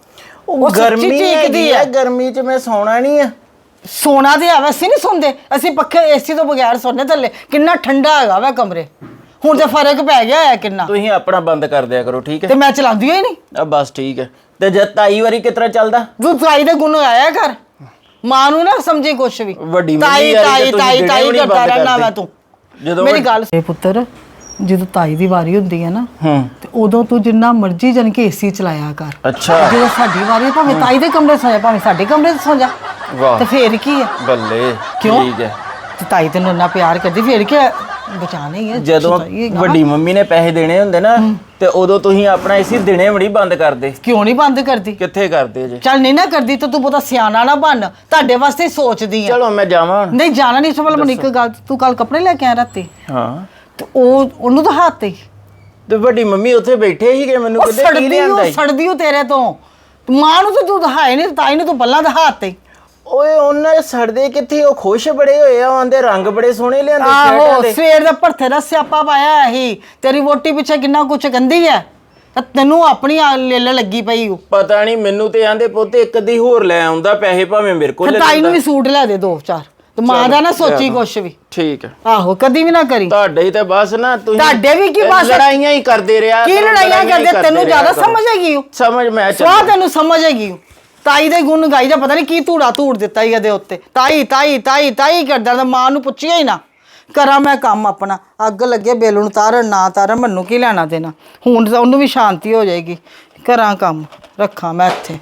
Speaker 5: ਉਹ
Speaker 4: ਸੱਚੀ
Speaker 5: ਗਰਮੀ
Speaker 4: ਚੀਕਦੀ
Speaker 5: ਹੈਗੀ
Speaker 4: ਆ।
Speaker 5: ਆ, ਗਰਮੀ 'ਚ ਮੈਂ ਸੌਣਾ ਨਹੀਂ ਆ।
Speaker 4: ਸੋਨਾ ਤੇ ਆਵਾ ਅਸੀਂ ਨਹੀਂ ਸੌਂਦੇ, ਅਸੀਂ ਪੱਖੇ ਏਸੀ ਤੋਂ ਬਗੈਰ ਸੌਂਦੇ ਥੱਲੇ। ਕਿੰਨਾ ਠੰਡਾ ਹੈਗਾ ਵਾ ਕਮਰੇ, ਹੁਣ ਤੇ ਫਰਕ ਪੈ ਗਿਆ ਹੈ ਕਿੰਨਾ।
Speaker 5: ਤੁਸੀਂ ਆਪਣਾ ਬੰਦ ਕਰ ਦਿਆ ਕਰੋ, ਠੀਕ ਹੈ?
Speaker 4: ਤੇ ਮੈਂ ਚਲਾਉਂਦੀ ਹੋਈ ਨਹੀਂ।
Speaker 5: ਆ ਬਸ ਠੀਕ ਹੈ। ਤੇ ਜਦ ਤਾਈ ਵਾਰੀ ਕਿਤਰਾ ਚੱਲਦਾ?
Speaker 4: ਤੂੰ ਤਾਈ ਦੇ ਗੁਣ ਆਇਆ ਕਰ, ਮਾਂ ਨੂੰ ਨਾ ਸਮਝੀ ਕੁਛ ਵੀ।
Speaker 5: ਵੱਡੀ ਮੰਮੀ
Speaker 4: ਤਾਈ
Speaker 5: ਵਾਰੀ
Speaker 4: ਤਾਈ
Speaker 5: ਤੇ ਤੁਸੀਂ
Speaker 4: ਤਾਈ
Speaker 5: ਦਿਨੇ
Speaker 4: ਤਾਈ
Speaker 5: ਵੀ ਨੀ
Speaker 4: ਕਰਦਾ
Speaker 5: ਬੰਦ
Speaker 4: ਰਹਿਣਾ
Speaker 5: ਕਰਦੇ।
Speaker 4: ਵਾ ਤੂੰ।
Speaker 5: ਜਦੋਂ
Speaker 4: ਮੇਰੀ
Speaker 5: ਵੱਡ-
Speaker 4: ਗੱਲ ਇਹ ਪੁੱਤਰ, ਜਦੋਂ ਤਾਈ ਦੀ ਵਾਰੀ ਹੁੰਦੀ ਹੈ ਨਾ
Speaker 5: ਹੂੰ
Speaker 4: ਤੇ ਉਦੋਂ ਤੂੰ ਜਿੰਨਾ ਮਰਜ਼ੀ ਜਨ ਕੇ ਏਸੀ ਚਲਾਇਆ ਕਰ।
Speaker 5: ਅੱਛਾ
Speaker 4: ਜਦੋਂ ਸਾਡੀ ਵਾਰੀ ਭਾਵੇਂ ਤਾਈ ਦੇ ਕਮਰੇ 'ਚ ਸੌਂ ਜਾ, ਭਾਵੇਂ ਸਾਡੇ ਕਮਰੇ 'ਚ ਸੌਂ ਜਾ,
Speaker 5: ਵਾਹ
Speaker 4: ਤੇ ਫੇਰ ਕੀ ਆ?
Speaker 5: ਬੱਲੇ
Speaker 4: ਕਿਉਂ?
Speaker 5: ਠੀਕ ਹੈ।
Speaker 4: ਤੇ ਤਾਈ ਤੈਨੂੰ ਇੰਨਾ ਪਿਆਰ ਕਰਦੀ, ਫੇਰ ਕੀ ਆ? ਬਚਾਣਾ ਹੀ ਹੈ।
Speaker 5: ਜਦੋਂ
Speaker 4: ਛੁਟਾਈ ਹੈਗਾ।
Speaker 5: ਵੱਡੀ ਮੰਮੀ ਨੇ ਪੈਸੇ ਦੇਣੇ ਹੁੰਦੇ ਨਾ ਤੇ ਉਦੋਂ ਤੁਸੀਂ ਆਪਣਾ ਏਸੀ ਦਿਨੇ ਬੜੀ ਬੰਦ ਕਰਦੇ।
Speaker 4: ਕਿਉਂ ਨਹੀਂ ਬੰਦ ਕਰਦੀ?
Speaker 5: ਕਿੱਥੇ ਕਰਦੇ ਜੇ?
Speaker 4: ਚੱਲ ਨਹੀਂ ਨਾ ਕਰਦੀ ਤਾਂ ਤੂੰ ਬਹੁਤਾ ਸਿਆਣਾ ਨਾ ਬਣ, ਤੁਹਾਡੇ ਵਾਸਤੇ ਹੀ ਸੋਚਦੀ ਆ।
Speaker 5: ਚਲੋ ਮੈਂ ਜਾਵਾਂ ਹੁਣ।
Speaker 4: ਨਹੀਂ ਜਾਣਾ ਨਹੀਂ। ਸਵਾਲ ਮੈਨੂੰ ਇੱਕ ਗੱਲ, ਤੂੰ ਕੱਲ ਕੱਪੜੇ ਲੈ ਕੇ ਆਇਆ ਰਾਤੀ
Speaker 5: ਹਾਂ
Speaker 4: ਤੇ ਉਹ ਉਹਨੂੰ ਤਾਂ ਹੱਥ ਤੇ
Speaker 5: ਤੇ ਵੱਡੀ ਮੰਮੀ ਉੱਥੇ ਬੈਠੇ ਸੀਗੇ, ਮੈਨੂੰ
Speaker 4: ਉਹ
Speaker 5: ਕਿਤੇ ਕੀ
Speaker 4: ਸੜਦੀ
Speaker 5: ਲਿਆਂਦਾ
Speaker 4: ਉਹ
Speaker 5: ਈ?
Speaker 4: ਸੜਦੀ ਉਹ ਤੇਰੇ ਤੋਂ। ਮਾਂ ਨੂੰ ਤਾਂ ਤੂੰ ਦਿਖਾਏ ਨਹੀਂ, ਤਾਈ ਨੂੰ ਤੂੰ ਬੱਲਾਂ ਦਾ ਹੱਥ ਤੇ।
Speaker 5: ਓਏ ਉਹਨਾਂ ਦੇ ਸੜਦੇ ਕਿੱਥੇ, ਉਹ ਖੁਸ਼ ਬੜੇ ਹੋਏ ਆ, ਆਂਦੇ ਰੰਗ ਬੜੇ ਸੋਹਣੇ ਲਿਆਂਦੇ ਸ਼ਰਟਾਂ
Speaker 4: ਆਹੋ
Speaker 5: ਦੇ।
Speaker 4: ਸਵੇਰ ਦਾ ਭਰਥੇ ਦਾ ਸਿਆਪਾ ਪਾਇਆ ਇਹੀ, ਤੇਰੀ ਵੋਟੀ ਪਿੱਛੇ ਕਿੰਨਾ ਕੁਛ ਕਹਿੰਦੀ ਹੈ ਤਾਂ ਤੈਨੂੰ ਆਪਣੀ ਆ ਲੇਲ ਲੱਗੀ ਪਈ ਉਹ।
Speaker 5: ਪਤਾ ਨਹੀਂ, ਮੈਨੂੰ ਤੇ ਆਂਦੇ ਪੁੱਤ ਇੱਕ ਅੱਧੀ ਹੋਰ ਲੈ ਆਉਂਦਾ, ਪੈਸੇ ਭਾਵੇਂ ਮੇਰੇ ਕੋਲ
Speaker 4: ਫਿਰ
Speaker 5: ਲੈ
Speaker 4: ਤਾਈ ਨੂੰ
Speaker 5: ਲੈਂਦਾ।
Speaker 4: ਵੀ ਸੂਟ ਲੈ ਦੇ ਦੋ ਚਾਰ, ਤੇ ਮਾਂ ਦਾ ਨਾ ਸੋਚੀ ਕੁਛ ਵੀ।
Speaker 5: ਠੀਕ ਹੈ।
Speaker 4: ਆਹੋ ਕਦੀ ਵੀ ਨਾ ਕਰੀ।
Speaker 5: ਤੁਹਾਡੇ ਹੀ ਤੇ ਬਸ ਨਾ ਤੁਸੀਂ
Speaker 4: ਤੁਹਾਡੇ ਵੀ ਕੀ ਬਸ?
Speaker 5: ਲੜਾਈਆਂ ਹੀ ਕਰਦੇ ਰਿਹਾ
Speaker 4: ਕੀ
Speaker 5: ਕਰੋ,
Speaker 4: ਲੜਾਈਆਂ
Speaker 5: ਹੀ
Speaker 4: ਕਰਦੇ? ਤੈਨੂੰ
Speaker 5: ਰਿਹਾ
Speaker 4: ਜ਼ਿਆਦਾ
Speaker 5: ਕਰੋ।
Speaker 4: ਸਮਝ ਹੈਗੀ ਉਹ।
Speaker 5: ਸਮਝ ਮੈਂ
Speaker 4: ਸਵਾਹ
Speaker 5: ਚੱਲ
Speaker 4: ਤੈਨੂੰ ਸਮਝ ਹੈਗੀ ਉਹ। ਤਾਈ ਦੇ ਗੁਣ ਗਾਈ ਜਾ, ਪਤਾ ਨਹੀਂ ਕੀ ਧੂੜਾ ਧੂੜ ਦਿੱਤਾ ਹੀ ਇਹਦੇ ਉੱਤੇ। ਤਾਈ ਤਾਈ ਤਾਈ ਤਾਈ ਕਰਦਾ ਤਾਂ ਮਾਂ ਨੂੰ ਪੁੱਛਿਆ ਹੀ ਨਾ। ਕਰਾਂ ਮੈਂ ਕੰਮ ਆਪਣਾ, ਅੱਗ ਲੱਗੇ ਬੇਲ ਨੂੰ ਤਾਰਨ ਨਾ ਤਾਰਨ ਮੈਨੂੰ ਕੀ ਲੈਣਾ ਦੇਣਾ। ਹੁਣ ਤਾਂ ਉਹਨੂੰ ਵੀ ਸ਼ਾਂਤੀ ਹੋ ਜਾਏਗੀ। ਕਰਾਂ ਕੰਮ, ਰੱਖਾਂ ਮੈਂ ਇੱਥੇ।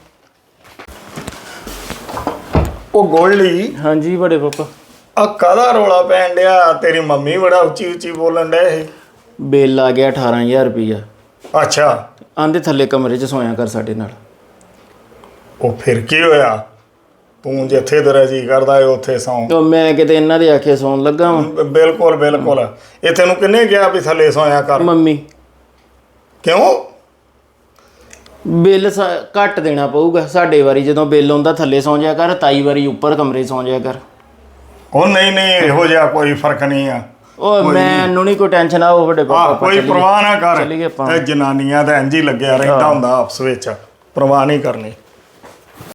Speaker 2: ਉਹ ਗੋਲਡੀ,
Speaker 5: ਹਾਂਜੀ ਬੜੇ ਪਾਪਾ।
Speaker 2: ਆ ਕਾਹਦਾ ਰੋਲਾ ਪੈਣ ਡਿਆ? ਤੇਰੀ ਮੰਮੀ ਬੜਾ ਉੱਚੀ ਉੱਚੀ ਬੋਲਣ ਡਿਆ ਇਹ।
Speaker 5: ਬਿੱਲ ਆ ਗਿਆ ਅਠਾਰਾਂ ਹਜ਼ਾਰ ਰੁਪਈਆ।
Speaker 2: ਅੱਛਾ,
Speaker 5: ਆਂਦੇ ਥੱਲੇ ਕਮਰੇ 'ਚ ਸੋਇਆ ਕਰ ਸਾਡੇ ਨਾਲ।
Speaker 2: ਉਹ ਫਿਰ ਕੀ ਹੋਇਆ? ਤੂੰ ਜਿੱਥੇ ਤੇਰਾ ਜੀ ਕਰਦਾ ਏ ਉੱਥੇ ਸੌਂ।
Speaker 5: ਉਹ ਮੈਂ ਕਿਤੇ ਇਹਨਾਂ ਦੇ ਆਖੇ ਸੌਣ ਲੱਗਾ ਵਾਂ।
Speaker 2: ਬ- ਬਿਲਕੁਲ ਬਿਲਕੁਲ। ਇਹ ਤੈਨੂੰ ਕਿੰਨੇ ਕਿਹਾ ਵੀ ਥੱਲੇ ਸੌਂਇਆ ਕਰ?
Speaker 5: ਮੰਮੀ
Speaker 2: ਕਿਉਂ?
Speaker 5: ਬਿੱਲ ਸ- ਘੱਟ ਦੇਣਾ ਪਊਗਾ ਸਾਡੇ ਵਾਰੀ, ਜਦੋਂ ਬਿੱਲ ਆਉਂਦਾ ਥੱਲੇ ਸੌਂ ਜਾਇਆ ਕਰ, ਤਾਈ ਵਾਰੀ ਉੱਪਰ ਕਮਰੇ 'ਚ ਸੌਂ ਜਾਇਆ ਕਰ।
Speaker 2: ਉਹ ਨਹੀਂ ਨਹੀਂ, ਇਹੋ ਜਿਹਾ ਕੋਈ ਫਰਕ ਨਹੀਂ ਆ।
Speaker 5: ਉਹ ਮੈਨੂੰ ਨਹੀਂ ਕੋਈ ਟੈਨਸ਼ਨ ਆ, ਉਹ ਵੱਡੇ ਪਾਪਾ
Speaker 2: ਆ
Speaker 5: ਆਪਾਂ
Speaker 2: ਕੋਈ
Speaker 5: ਚੱਲੀਏ।
Speaker 2: ਪਰਵਾਹ ਨਾ ਕਰ।
Speaker 5: ਚੱਲੀਏ ਆਪਾਂ।
Speaker 2: ਇਹ ਜਨਾਨੀਆਂ ਦਾ ਇੰਜ ਹੀ ਲੱਗਿਆ ਰਹਿੰਦਾ ਹੁੰਦਾ ਆਪਸ ਵਿੱਚ। ਪਰਵਾਹ ਨਹੀਂ ਕਰਨੀ।